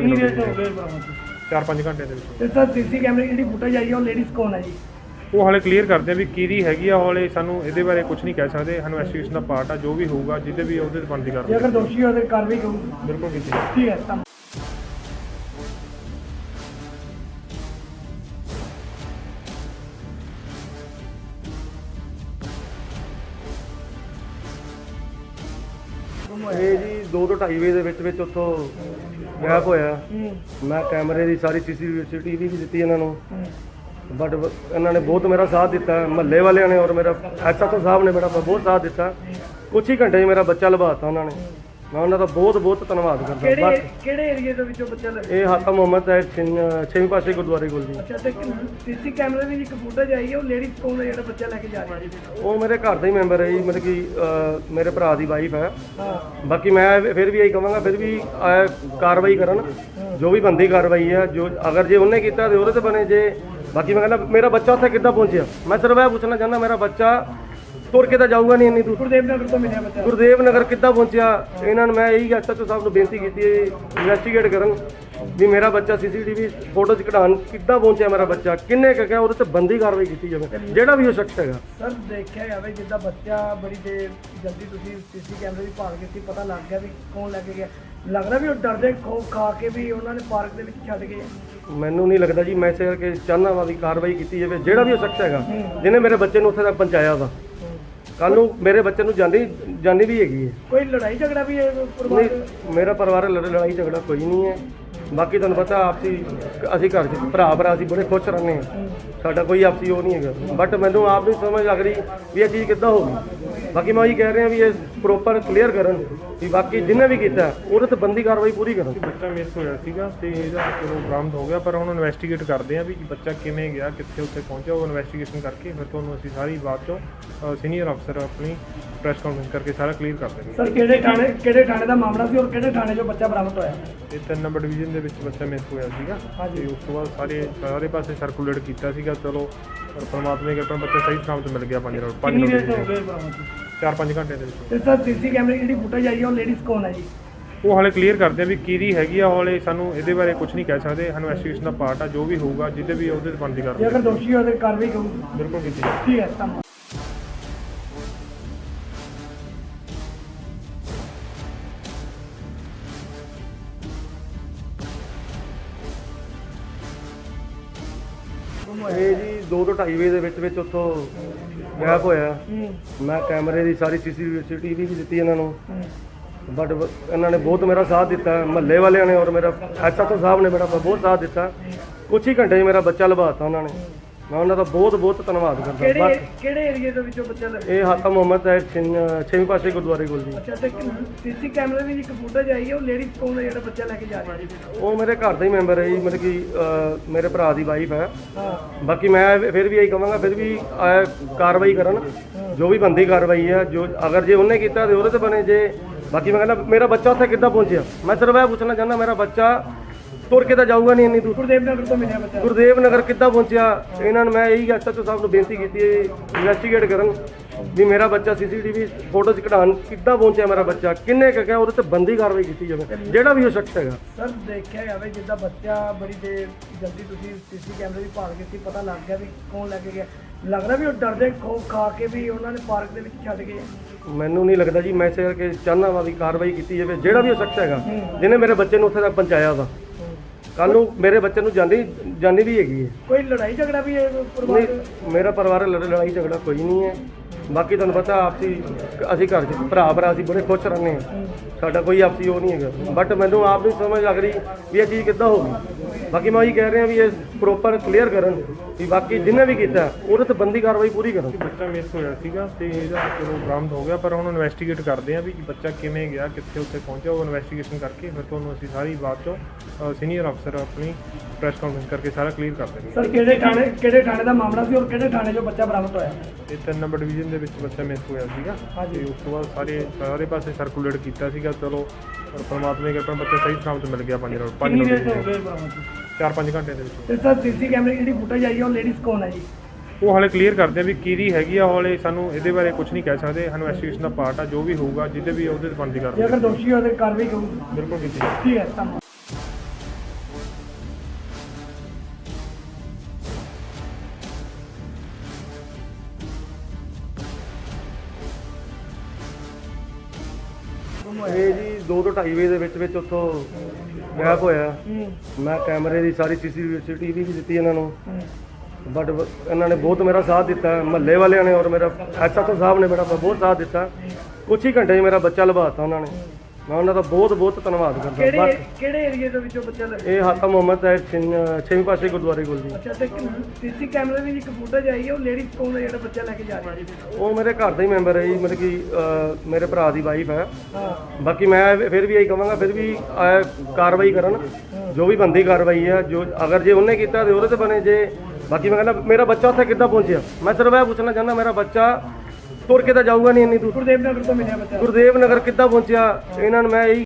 Speaker 3: 4-5 ਘੰਟੇ ਦੇ ਵਿੱਚ।
Speaker 2: ਤੇ ਸਰ, ਸੀਸੀ ਕੈਮਰੇ ਦੀ ਜਿਹੜੀ ਫੁਟੇਜ ਆਈ ਹੈ, ਉਹ ਲੇਡੀਜ਼ ਕੌਣ ਹੈ ਜੀ?
Speaker 3: ਉਹ ਹਾਲੇ ਕਲੀਅਰ ਕਰਦੇ ਆ ਵੀ ਕਿਹਦੀ ਹੈਗੀ ਆ। ਹਾਲੇ ਸਾਨੂੰ ਇਹਦੇ ਬਾਰੇ ਕੁਝ ਨਹੀਂ ਕਹਿ ਸਕਦੇ। ਇਨਵੈਸਟੀਗੇਸ਼ਨ ਦਾ ਪਾਰਟ ਆ, ਜੋ ਵੀ ਹੋਊਗਾ ਜਿਹਦੇ ਵੀ ਉਹਦੇ ਤੇ ਬਣਦੀ
Speaker 2: ਜੇ
Speaker 3: ਕਰਦੇ
Speaker 2: ਅਗਰ ਦੋਸ਼ੀ ਹੋਵੇ ਤਾਂ ਕਾਰਵਾਈ ਕਰੂੰ।
Speaker 3: ਬਿਲਕੁਲ ਕੀਤੀ ਜਾਊਗੀ।
Speaker 2: ਠੀਕ ਹੈ, ਧੰਨਵਾਦ।
Speaker 1: ਇਹ ਜੀ 2 ਤੋਂ 2.5 ਵਜੇ ਦੇ ਵਿੱਚ ਉੱਥੋਂ ਗਾਇਬ ਹੋਇਆ। ਮੈਂ ਕੈਮਰੇ ਦੀ ਸਾਰੀ ਸੀਸੀਟੀਵੀ ਵੀ ਦਿੱਤੀ ਇਹਨਾਂ ਨੂੰ, ਬਟ ਇਹਨਾਂ ਨੇ ਬਹੁਤ ਮੇਰਾ ਸਾਥ ਦਿੱਤਾ, ਮਹੱਲੇ ਵਾਲਿਆਂ ਨੇ ਔਰ ਮੇਰਾ ਐਸਐਚਓ ਸਾਹਿਬ ਨੇ ਮੇਰਾ ਬਹੁਤ ਸਾਥ ਦਿੱਤਾ। ਕੁਛ ਹੀ ਘੰਟੇ 'ਚ ਮੇਰਾ ਬੱਚਾ ਲਭਾਤਾ ਉਹਨਾਂ ਨੇ। ਮੈਂ ਉਹਨਾਂ ਦਾ ਬਹੁਤ ਬਹੁਤ ਧੰਨਵਾਦ ਕਰਦਾ।
Speaker 2: ਕਿਹੜੇ ਕਿਹੜੇ ਏਰੀਏ ਦੇ ਵਿੱਚੋਂ ਬੱਚਾ ਲੱਗਾ?
Speaker 1: ਇਹ ਹਾਤਾ ਮੁਹੰਮਦ ਹੈ 6ਵੇਂ ਪਾਸੇ ਗੁਰਦੁਆਰੇ ਕੋਲ ਜੀ।
Speaker 2: ਅੱਛਾ, ਤੇ ਸੀਸੀ ਕੈਮਰੇ ਦੀ ਇੱਕ ਫੁਟੇਜ ਆਈ ਹੈ, ਉਹ ਲੇਡੀਜ਼ ਕੌਣ ਹੈ ਜਿਹੜਾ ਬੱਚਾ ਲੈ ਕੇ ਜਾ ਰਿਹਾ ਜੀ?
Speaker 1: ਉਹ ਮੇਰੇ ਘਰ ਦਾ ਹੀ ਮੈਂਬਰ ਹੈ ਜੀ, ਮਤਲਬ ਕਿ ਮੇਰੇ ਭਰਾ ਦੀ ਵਾਈਫ ਹੈ।
Speaker 2: ਹਾਂ,
Speaker 1: ਬਾਕੀ ਮੈਂ ਫਿਰ ਵੀ ਇਹੀ ਕਹਾਂਗਾ, ਫਿਰ ਵੀ ਕਾਰਵਾਈ ਕਰਨ, ਜੋ ਵੀ ਬੰਦੀ ਕਾਰਵਾਈ ਹੈ। ਜੋ ਅਗਰ ਜੇ ਉਹਨੇ ਕੀਤਾ ਤੇ ਉਹਦੇ ਤੇ ਬਣੇ। ਜੇ ਬਾਕੀ ਮੈਂ ਕਹਿੰਦਾ ਮੇਰਾ ਬੱਚਾ ਉੱਥੇ ਕਿੱਦਾਂ ਪਹੁੰਚਿਆ, ਮੈਂ ਸਿਰਫ ਇਹ ਪੁੱਛਣਾ ਚਾਹੁੰਦਾ, ਮੇਰਾ ਬੱਚਾ ਤੁਰ ਕੇ ਤਾਂ ਜਾਊਗਾ ਨਹੀਂ ਇੰਨੀ ਦੂਰ।
Speaker 2: ਗੁਰਦੇਵ ਨਗਰ ਤੋਂ ਮਿਲਿਆ ਬੱਚਾ।
Speaker 1: ਗੁਰਦੇਵ ਨਗਰ ਕਿੱਦਾਂ ਪਹੁੰਚਿਆ? ਇਹਨਾਂ ਨੂੰ ਮੈਂ ਇਹੀ ਐਸਐਚਓ ਸਾਹਿਬ ਨੂੰ ਬੇਨਤੀ ਕੀਤੀ ਹੈ, ਇਨਵੈਸਟੀਗੇਟ ਕਰਨ ਵੀ ਮੇਰਾ ਬੱਚਾ ਸੀਸੀਟੀਵੀ ਫੋਟੋ 'ਚ ਕਢਾਉਣ ਕਿੱਦਾਂ ਪਹੁੰਚਿਆ, ਮੇਰਾ ਬੱਚਾ ਕਿੰਨੇ ਕੁ ਗਿਆ, ਉਹਦੇ ਤੇ ਬੰਦੀ ਕਾਰਵਾਈ ਕੀਤੀ ਜਾਵੇ, ਜਿਹੜਾ ਵੀ ਉਹ ਸ਼ਖਸ ਹੈਗਾ।
Speaker 2: ਸਰ, ਦੇਖਿਆ ਜਾਵੇ ਜਿੱਦਾਂ ਬੱਚਾ ਬੜੀ ਦੇਰ ਜਲਦੀ ਤੁਸੀਂ ਸੀਸੀ ਕੈਮਰੇ ਦੀ ਭਾਲ ਕੀਤੀ, ਪਤਾ ਲੱਗ ਗਿਆ ਵੀ ਕੌਣ ਲੈ ਕੇ ਗਿਆ। ਲੱਗਦਾ ਵੀ ਉਹ ਡਰਦੇ ਖਾ ਕੇ ਵੀ ਉਹਨਾਂ ਨੇ ਪਾਰਕ ਦੇ ਵਿੱਚ ਛੱਡ ਗਏ।
Speaker 1: ਮੈਨੂੰ ਨਹੀਂ ਲੱਗਦਾ ਜੀ, ਮੈਂ ਇਸੇ ਕਰਕੇ ਚਾਹੁੰਦਾ ਵਾ ਵੀ ਕਾਰਵਾਈ ਕੀਤੀ ਜਾਵੇ, ਜਿਹੜਾ ਵੀ ਉਹ ਸ਼ਖਸ ਹੈਗਾ ਜਿਹਨੇ ਮੇਰੇ ਬੱਚੇ ਨੂੰ ਉੱਥੇ ਤੱਕ ਪਹੁੰਚਾਇਆ ਵਾ। ਕੱਲ ਨੂੰ ਮੇਰੇ ਬੱਚੇ ਨੂੰ ਜਾਨੀ ਵੀ ਹੈਗੀ ਹੈ।
Speaker 2: ਕੋਈ ਲੜਾਈ ਝਗੜਾ ਵੀ ਹੈ ਪਰਿਵਾਰ?
Speaker 1: ਨਹੀਂ, ਮੇਰਾ ਪਰਿਵਾਰ ਲੜਾਈ ਝਗੜਾ ਕੋਈ ਨਹੀਂ ਹੈ। ਬਾਕੀ ਤੁਹਾਨੂੰ ਪਤਾ ਆਪਸੀ ਅਸੀਂ ਘਰ 'ਚ ਭਰਾ ਅਸੀਂ ਬੜੇ ਖੁਸ਼ ਰਹਿੰਦੇ ਹਾਂ, ਸਾਡਾ ਕੋਈ ਆਪਸੀ ਉਹ ਨਹੀਂ ਹੈਗਾ। ਬਟ ਮੈਨੂੰ ਆਪ ਨਹੀਂ ਸਮਝ ਲੱਗ ਰਹੀ ਵੀ ਇਹ ਚੀਜ਼ ਕਿੱਦਾਂ ਹੋ ਗਈ। ਬਾਕੀ ਮੈਂ ਉਹੀ ਕਹਿ ਰਿਹਾ ਵੀ ਇਹ ਪ੍ਰੋਪਰ ਕਲੀਅਰ ਕਰਨ ਵੀ ਬਾਕੀ ਜਿਹਨੇ ਵੀ ਕੀਤਾ ਉਹਦੇ ਤੇ ਬੰਦੀ ਕਾਰਵਾਈ ਪੂਰੀ ਕਰਨ।
Speaker 3: ਬੱਚਾ ਮਿਸ ਹੋਇਆ ਸੀਗਾ ਤੇ ਇਹਦਾ ਚਲੋ ਬਰਾਮਦ ਹੋ ਗਿਆ, ਪਰ ਹੁਣ ਇਨਵੈਸਟੀਗੇਟ ਕਰਦੇ ਆ ਵੀ ਬੱਚਾ ਕਿਵੇਂ ਗਿਆ, ਕਿੱਥੇ ਉੱਥੇ ਪਹੁੰਚਿਆ। ਉਹ ਇਨਵੈਸਟੀਗੇਸ਼ਨ ਕਰਕੇ ਫਿਰ ਤੁਹਾਨੂੰ ਅਸੀਂ ਸਾਰੀ ਬਾਤ ਚੋਂ ਸੀਨੀਅਰ ਅਫਸਰ ਆਪਣੀ ਪ੍ਰੈਸ ਕਾਨਫਰੰਸ ਕਰਕੇ ਸਾਰਾ ਕਲੀਅਰ ਕਰ ਦੇਣਗੇ।
Speaker 2: ਸਰ, ਕਿਹੜੇ ਥਾਣੇ ਦਾ ਮਾਮਲਾ ਸੀ ਔਰ ਕਿਹੜੇ ਥਾਣੇ 'ਚੋਂ ਬੱਚਾ ਬਰਾਮਦ ਹੋਇਆ?
Speaker 3: ਇਹ 3 ਨੰਬਰ ਡਿਵੀਜ਼ਨ ਦੇ ਵਿੱਚ ਬੱਚਾ ਮਿਸ ਹੋਇਆ ਸੀਗਾ ਤੇ ਉਸ ਤੋਂ ਬਾਅਦ ਸਾਰੇ ਪਾਸੇ ਸਰਕੂਲੇਟ ਕੀਤਾ ਸੀਗਾ। ਚਲੋ ਪਰ ਪਰਮਾਤਮਾ ਦੀ ਕਿਰਪਾ ਨਾਲ ਬੱਚਾ ਸਹੀ ਸਮਾਂ ਤੇ ਮਿਲ ਗਿਆ। 5 ਰੋਡ 4-5 ਘੰਟੇ ਦੇ ਵਿੱਚ।
Speaker 2: ਤੇ ਸਰ, ਸੀਸੀ ਕੈਮਰੇ ਦੀ ਜਿਹੜੀ ਫੁਟੇਜ ਆਈ ਹੈ, ਉਹ ਲੇਡੀਜ਼ ਕੌਣ ਹੈ ਜੀ?
Speaker 3: ਉਹ ਹਾਲੇ ਕਲੀਅਰ ਕਰਦੇ ਆ ਵੀ ਕਿਹਦੀ ਹੈਗੀ ਆ। ਹਾਲੇ ਸਾਨੂੰ ਇਹਦੇ ਬਾਰੇ ਕੁਝ ਨਹੀਂ ਕਹਿ ਸਕਦੇ। ਇਨਵੈਸਟੀਗੇਸ਼ਨ ਦਾ ਪਾਰਟ ਆ, ਜੋ ਵੀ ਹੋਊਗਾ ਜਿਹਦੇ ਵੀ ਉਹਦੇ ਤੇ ਬਣਦੀ
Speaker 2: ਜੇ
Speaker 3: ਕਰਦੇ
Speaker 2: ਅਗਰ ਦੋਸ਼ੀ ਹੋਵੇ ਤਾਂ ਕਾਰਵਾਈ ਕਰੂਗੀ।
Speaker 3: ਬਿਲਕੁਲ ਕੀਤੀ ਜਾਊਗੀ।
Speaker 2: ਠੀਕ ਹੈ, ਧੰਨਵਾਦ।
Speaker 1: ਇਹ ਜੀ 2 ਤੋਂ 2.5 ਵਜੇ ਦੇ ਵਿੱਚ ਉੱਥੋਂ ਗਾਇਬ ਹੋਇਆ। ਮੈਂ ਕੈਮਰੇ ਦੀ ਸਾਰੀ ਸੀਸੀਟੀਵੀ ਵੀ ਦਿੱਤੀ ਇਹਨਾਂ ਨੂੰ, ਬਟ ਇਹਨਾਂ ਨੇ ਬਹੁਤ ਮੇਰਾ ਸਾਥ ਦਿੱਤਾ, ਮਹੱਲੇ ਵਾਲਿਆਂ ਨੇ ਔਰ ਮੇਰਾ ਐਸਐਚਓ ਸਾਹਿਬ ਨੇ ਮੇਰਾ ਬਹੁਤ ਸਾਥ ਦਿੱਤਾ। ਕੁਛ ਹੀ ਘੰਟੇ 'ਚ ਮੇਰਾ ਬੱਚਾ ਲਭਾਤਾ ਉਹਨਾਂ ਨੇ। ਮੈਂ ਉਹਨਾਂ ਦਾ ਬਹੁਤ ਬਹੁਤ ਧੰਨਵਾਦ ਕਰਦਾ।
Speaker 2: ਕਿਹੜੇ ਏਰੀਏ ਦੇ ਵਿੱਚੋਂ ਬੱਚਾ ਲੱਗਾ?
Speaker 1: ਇਹ ਹਾਤਾ ਮੁਹੰਮਦ ਹੈ 6ਵੇਂ ਪਾਸੇ ਗੁਰਦੁਆਰੇ ਕੋਲ ਜੀ।
Speaker 2: ਅੱਛਾ, ਤੇ ਸੀਸੀ ਕੈਮਰੇ ਦੀ ਇੱਕ ਫੁਟੇਜ ਆਈ ਹੈ, ਉਹ ਲੇਡੀਜ਼ ਕੌਣ ਹੈ ਜਿਹੜਾ ਬੱਚਾ ਲੈ ਕੇ ਜਾ ਰਿਹਾ ਜੀ?
Speaker 1: ਉਹ ਮੇਰੇ ਘਰ ਦਾ ਹੀ ਮੈਂਬਰ ਹੈ ਜੀ, ਮਤਲਬ ਕਿ ਮੇਰੇ ਭਰਾ ਦੀ ਵਾਈਫ ਹੈ।
Speaker 2: ਹਾਂ,
Speaker 1: ਬਾਕੀ ਮੈਂ ਫਿਰ ਵੀ ਇਹੀ ਕਹਾਂਗਾ, ਫਿਰ ਵੀ ਕਾਰਵਾਈ ਕਰਨ, ਜੋ ਵੀ ਬੰਦੀ ਕਾਰਵਾਈ ਹੈ। ਜੋ ਅਗਰ ਜੇ ਉਹਨੇ ਕੀਤਾ ਤੇ ਉਹਦੇ ਤੇ ਬਣੇ। ਜੇ ਬਾਕੀ ਮੈਂ ਕਹਿੰਦਾ ਮੇਰਾ ਬੱਚਾ ਉੱਥੇ ਕਿੱਦਾਂ ਪਹੁੰਚਿਆ, ਮੈਂ ਸਿਰਫ ਇਹ ਪੁੱਛਣਾ ਚਾਹੁੰਦਾ, ਮੇਰਾ ਬੱਚਾ ਤੁਰ ਕੇ ਤਾਂ ਜਾਊਗਾ ਨਹੀਂ ਇੰਨੀ ਦੂਰ।
Speaker 2: ਗੁਰਦੇਵ ਨਗਰ ਤੋਂ ਮਿਲਿਆ ਬੱਚਾ।
Speaker 1: ਗੁਰਦੇਵ ਨਗਰ ਕਿੱਦਾਂ ਪਹੁੰਚਿਆ? ਇਹਨਾਂ ਨੂੰ ਮੈਂ ਇਹੀ ਐਸਐਚਓ ਸਾਹਿਬ ਨੂੰ ਬੇਨਤੀ ਕੀਤੀ ਹੈ, ਇਨਵੈਸਟੀਗੇਟ ਕਰਨ ਵੀ ਮੇਰਾ ਬੱਚਾ ਸੀਸੀਟੀਵੀ ਫੋਟੋ 'ਚ ਕਢਾਉਣ ਕਿੱਦਾਂ ਪਹੁੰਚਿਆ, ਮੇਰਾ ਬੱਚਾ ਕਿੰਨੇ ਕੁ ਗਿਆ, ਉਹਦੇ ਤੇ ਬੰਦੀ ਕਾਰਵਾਈ ਕੀਤੀ ਜਾਵੇ, ਜਿਹੜਾ ਵੀ ਉਹ ਸ਼ਖਸ ਹੈਗਾ।
Speaker 2: ਸਰ, ਦੇਖਿਆ ਜਾਵੇ ਜਿੱਦਾਂ ਬੱਚਾ ਬੜੀ ਦੇਰ ਜਲਦੀ ਤੁਸੀਂ ਸੀਸੀ ਕੈਮਰੇ ਦੀ ਭਾਲ ਕੀਤੀ, ਪਤਾ ਲੱਗ ਗਿਆ ਵੀ ਕੌਣ ਲੈ ਕੇ ਗਿਆ। ਲੱਗਦਾ ਵੀ ਉਹ ਡਰਦੇ ਖਾ ਕੇ ਵੀ ਉਹਨਾਂ ਨੇ ਪਾਰਕ ਦੇ ਵਿੱਚ ਛੱਡ ਗਏ।
Speaker 1: ਮੈਨੂੰ ਨਹੀਂ ਲੱਗਦਾ ਜੀ, ਮੈਂ ਇਸੇ ਕਰਕੇ ਚਾਹੁੰਦਾ ਵਾ ਵੀ ਕਾਰਵਾਈ ਕੀਤੀ ਜਾਵੇ, ਜਿਹੜਾ ਵੀ ਉਹ ਸ਼ਖਸ ਹੈਗਾ ਜਿਹਨੇ ਮੇਰੇ ਬੱਚੇ ਨੂੰ ਉੱਥੇ ਤੱਕ ਪਹੁੰਚਾਇਆ ਵਾ। ਕੱਲ ਨੂੰ ਮੇਰੇ ਬੱਚੇ ਨੂੰ ਜਾਨੀ ਵੀ ਹੈਗੀ ਹੈ।
Speaker 2: ਕੋਈ ਲੜਾਈ ਝਗੜਾ ਵੀ ਹੈ ਪਰਿਵਾਰ?
Speaker 1: ਨਹੀਂ, ਮੇਰਾ ਪਰਿਵਾਰ ਲੜਾਈ ਝਗੜਾ ਕੋਈ ਨਹੀਂ ਹੈ। ਬਾਕੀ ਤੁਹਾਨੂੰ ਪਤਾ ਆਪਸੀ ਅਸੀਂ ਘਰ 'ਚ ਭਰਾ ਅਸੀਂ ਬੜੇ ਖੁਸ਼ ਰਹਿੰਦੇ ਹਾਂ, ਸਾਡਾ ਕੋਈ ਆਪਸੀ ਉਹ ਨਹੀਂ ਹੈਗਾ। ਬਟ ਮੈਨੂੰ ਆਪ ਨਹੀਂ ਸਮਝ ਲੱਗ ਰਹੀ ਵੀ ਇਹ ਚੀਜ਼ ਕਿੱਦਾਂ ਹੋ ਗਈ। ਬਾਕੀ ਮੈਂ ਉਹੀ ਕਹਿ ਰਿਹਾ ਵੀ ਇਹ ਪ੍ਰੋਪਰ ਕਲੀਅਰ ਕਰਨ ਵੀ ਬਾਕੀ ਜਿਹਨੇ ਵੀ ਕੀਤਾ ਉਹਦੇ ਤੇ ਬੰਦੀ ਕਾਰਵਾਈ ਪੂਰੀ ਕਰਨ।
Speaker 3: ਬੱਚਾ ਮਿਸ ਹੋਇਆ ਸੀਗਾ ਤੇ ਇਹਦਾ ਚਲੋ ਬਰਾਮਦ ਹੋ ਗਿਆ, ਪਰ ਹੁਣ ਇਨਵੈਸਟੀਗੇਟ ਕਰਦੇ ਆ ਵੀ ਬੱਚਾ ਕਿਵੇਂ ਗਿਆ, ਕਿੱਥੇ ਉੱਥੇ ਪਹੁੰਚਿਆ। ਉਹ ਇਨਵੈਸਟੀਗੇਸ਼ਨ ਕਰਕੇ ਫਿਰ ਤੁਹਾਨੂੰ ਅਸੀਂ ਸਾਰੀ ਬਾਤ ਚੋਂ ਸੀਨੀਅਰ ਅਫਸਰ ਆਪਣੀ ਪ੍ਰੈਸ ਕਾਨਫਰੰਸ ਕਰਕੇ ਸਾਰਾ ਕਲੀਅਰ ਕਰ ਦੇਣਗੇ।
Speaker 2: ਸਰ, ਕਿਹੜੇ ਥਾਣੇ ਦਾ ਮਾਮਲਾ ਸੀ ਔਰ ਕਿਹੜੇ ਥਾਣੇ 'ਚੋਂ ਬੱਚਾ ਬਰਾਮਦ ਹੋਇਆ?
Speaker 3: ਇਹ 3 ਨੰਬਰ ਡਿਵੀਜ਼ਨ ਦੇ ਵਿੱਚ ਬੱਚਾ ਮਿਸ ਹੋਇਆ ਸੀਗਾ ਤੇ ਉਸ ਤੋਂ ਬਾਅਦ ਸਾਰੇ ਪਾਸੇ ਸਰਕੂਲੇਟ ਕੀਤਾ ਸੀਗਾ। ਚਲੋ ਪਰ ਪਰਮਾਤਮਾ ਦੀ ਕਿਰਪਾ ਨਾਲ ਬੱਚਾ ਸਹੀ ਸਮਾਂ ਤੇ ਮਿਲ ਗਿਆ। 5 ਰੋਡ 4-5 ਘੰਟੇ ਦੇ ਵਿੱਚ।
Speaker 2: ਤੇ ਸਰ, ਸੀਸੀ ਕੈਮਰੇ ਦੀ ਜਿਹੜੀ ਫੁਟੇਜ ਆਈ ਹੈ, ਉਹ ਲੇਡੀਜ਼ ਕੌਣ ਹੈ ਜੀ?
Speaker 3: ਉਹ ਹਾਲੇ ਕਲੀਅਰ ਕਰਦੇ ਆ ਵੀ ਕਿਹਦੀ ਹੈਗੀ ਆ। ਹਾਲੇ ਸਾਨੂੰ ਇਹਦੇ ਬਾਰੇ ਕੁਝ ਨਹੀਂ ਕਹਿ ਸਕਦੇ। ਇਨਵੈਸਟੀਗੇਸ਼ਨ ਦਾ ਪਾਰਟ ਆ, ਜੋ ਵੀ ਹੋਊਗਾ ਜਿਹਦੇ ਵੀ ਉਹਦੇ ਤੇ ਬਣਦੀ
Speaker 2: ਜੇ
Speaker 3: ਕਰਦੇ
Speaker 2: ਅਗਰ ਦੋਸ਼ੀ ਹੋਵੇ ਤਾਂ ਕਾਰਵਾਈ ਕਰੂਗੀ।
Speaker 3: ਬਿਲਕੁਲ ਕੀਤੀ ਜਾਊਗੀ।
Speaker 2: ਠੀਕ ਹੈ, ਧੰਨਵਾਦ।
Speaker 1: ਇਹ ਜੀ 2 ਤੋਂ 2.5 ਵਜੇ ਦੇ ਵਿੱਚ ਉੱਥੋਂ ਗਾਇਬ ਹੋਇਆ। ਮੈਂ ਕੈਮਰੇ ਦੀ ਸਾਰੀ ਸੀਸੀਟੀਵੀ ਵੀ ਦਿੱਤੀ ਇਹਨਾਂ ਨੂੰ, ਬਟ ਇਹਨਾਂ ਨੇ ਬਹੁਤ ਮੇਰਾ ਸਾਥ ਦਿੱਤਾ, ਮਹੱਲੇ ਵਾਲਿਆਂ ਨੇ ਔਰ ਮੇਰਾ ਐਸਐਚਓ ਸਾਹਿਬ ਨੇ ਮੇਰਾ ਬਹੁਤ ਸਾਥ ਦਿੱਤਾ। ਕੁਛ ਹੀ ਘੰਟੇ 'ਚ ਮੇਰਾ ਬੱਚਾ ਲਭਾਤਾ ਉਹਨਾਂ ਨੇ। ਮੈਂ ਉਹਨਾਂ ਦਾ ਬਹੁਤ ਬਹੁਤ ਧੰਨਵਾਦ ਕਰਦਾ।
Speaker 2: ਕਿਹੜੇ ਕਿਹੜੇ ਏਰੀਏ ਦੇ ਵਿੱਚੋਂ ਬੱਚਾ ਲੱਗਾ?
Speaker 1: ਇਹ ਹਾਤਾ ਮੁਹੰਮਦ ਹੈ 6ਵੀਂ ਪਾਸੇ ਗੁਰਦੁਆਰੇ ਕੋਲ ਜੀ।
Speaker 2: ਅੱਛਾ, ਤੇ ਸੀਸੀ ਕੈਮਰੇ ਦੀ ਇੱਕ ਫੁਟੇਜ ਆਈ ਹੈ, ਉਹ ਲੇਡੀ ਕੌਣ ਹੈ ਜਿਹੜਾ ਬੱਚਾ ਲੈ ਕੇ ਜਾ ਰਹੀ ਹੈ?
Speaker 1: ਉਹ ਮੇਰੇ ਘਰ ਦਾ ਹੀ ਮੈਂਬਰ ਹੈ ਜੀ, ਮਤਲਬ ਕਿ ਮੇਰੇ ਭਰਾ ਦੀ ਵਾਈਫ ਹੈ।
Speaker 2: ਹਾਂ,
Speaker 1: ਬਾਕੀ ਮੈਂ ਫਿਰ ਵੀ ਇਹੀ ਕਹਾਂਗਾ, ਫਿਰ ਵੀ ਕਾਰਵਾਈ ਕਰਨ, ਜੋ ਵੀ ਬੰਦੀ ਕਾਰਵਾਈ ਹੈ। ਜੋ ਅਗਰ ਜੇ ਉਹਨੇ ਕੀਤਾ ਤੇ ਉਹਦੇ ਤੇ ਬਣੇ। ਜੇ ਬਾਕੀ ਮੈਂ ਕਹਿੰਦਾ ਮੇਰਾ ਬੱਚਾ ਉੱਥੇ ਕਿੱਦਾਂ ਪਹੁੰਚਿਆ, ਮੈਂ ਸਿਰਫ ਇਹ ਪੁੱਛਣਾ ਚਾਹੁੰਦਾ, ਮੇਰਾ ਬੱਚਾ ਤੁਰ ਕੇ ਤਾਂ ਜਾਊਗਾ ਨਹੀਂ ਇੰਨੀ ਦੂਰ,
Speaker 2: ਗੁਰਦੇਵ ਨਗਰ ਤੋਂ ਮਿਲਿਆ ਬੱਚਾ।
Speaker 1: ਗੁਰਦੇਵ ਨਗਰ ਕਿੱਦਾਂ ਪਹੁੰਚਿਆ? ਇਹਨਾਂ ਨੂੰ ਮੈਂ ਇਹੀ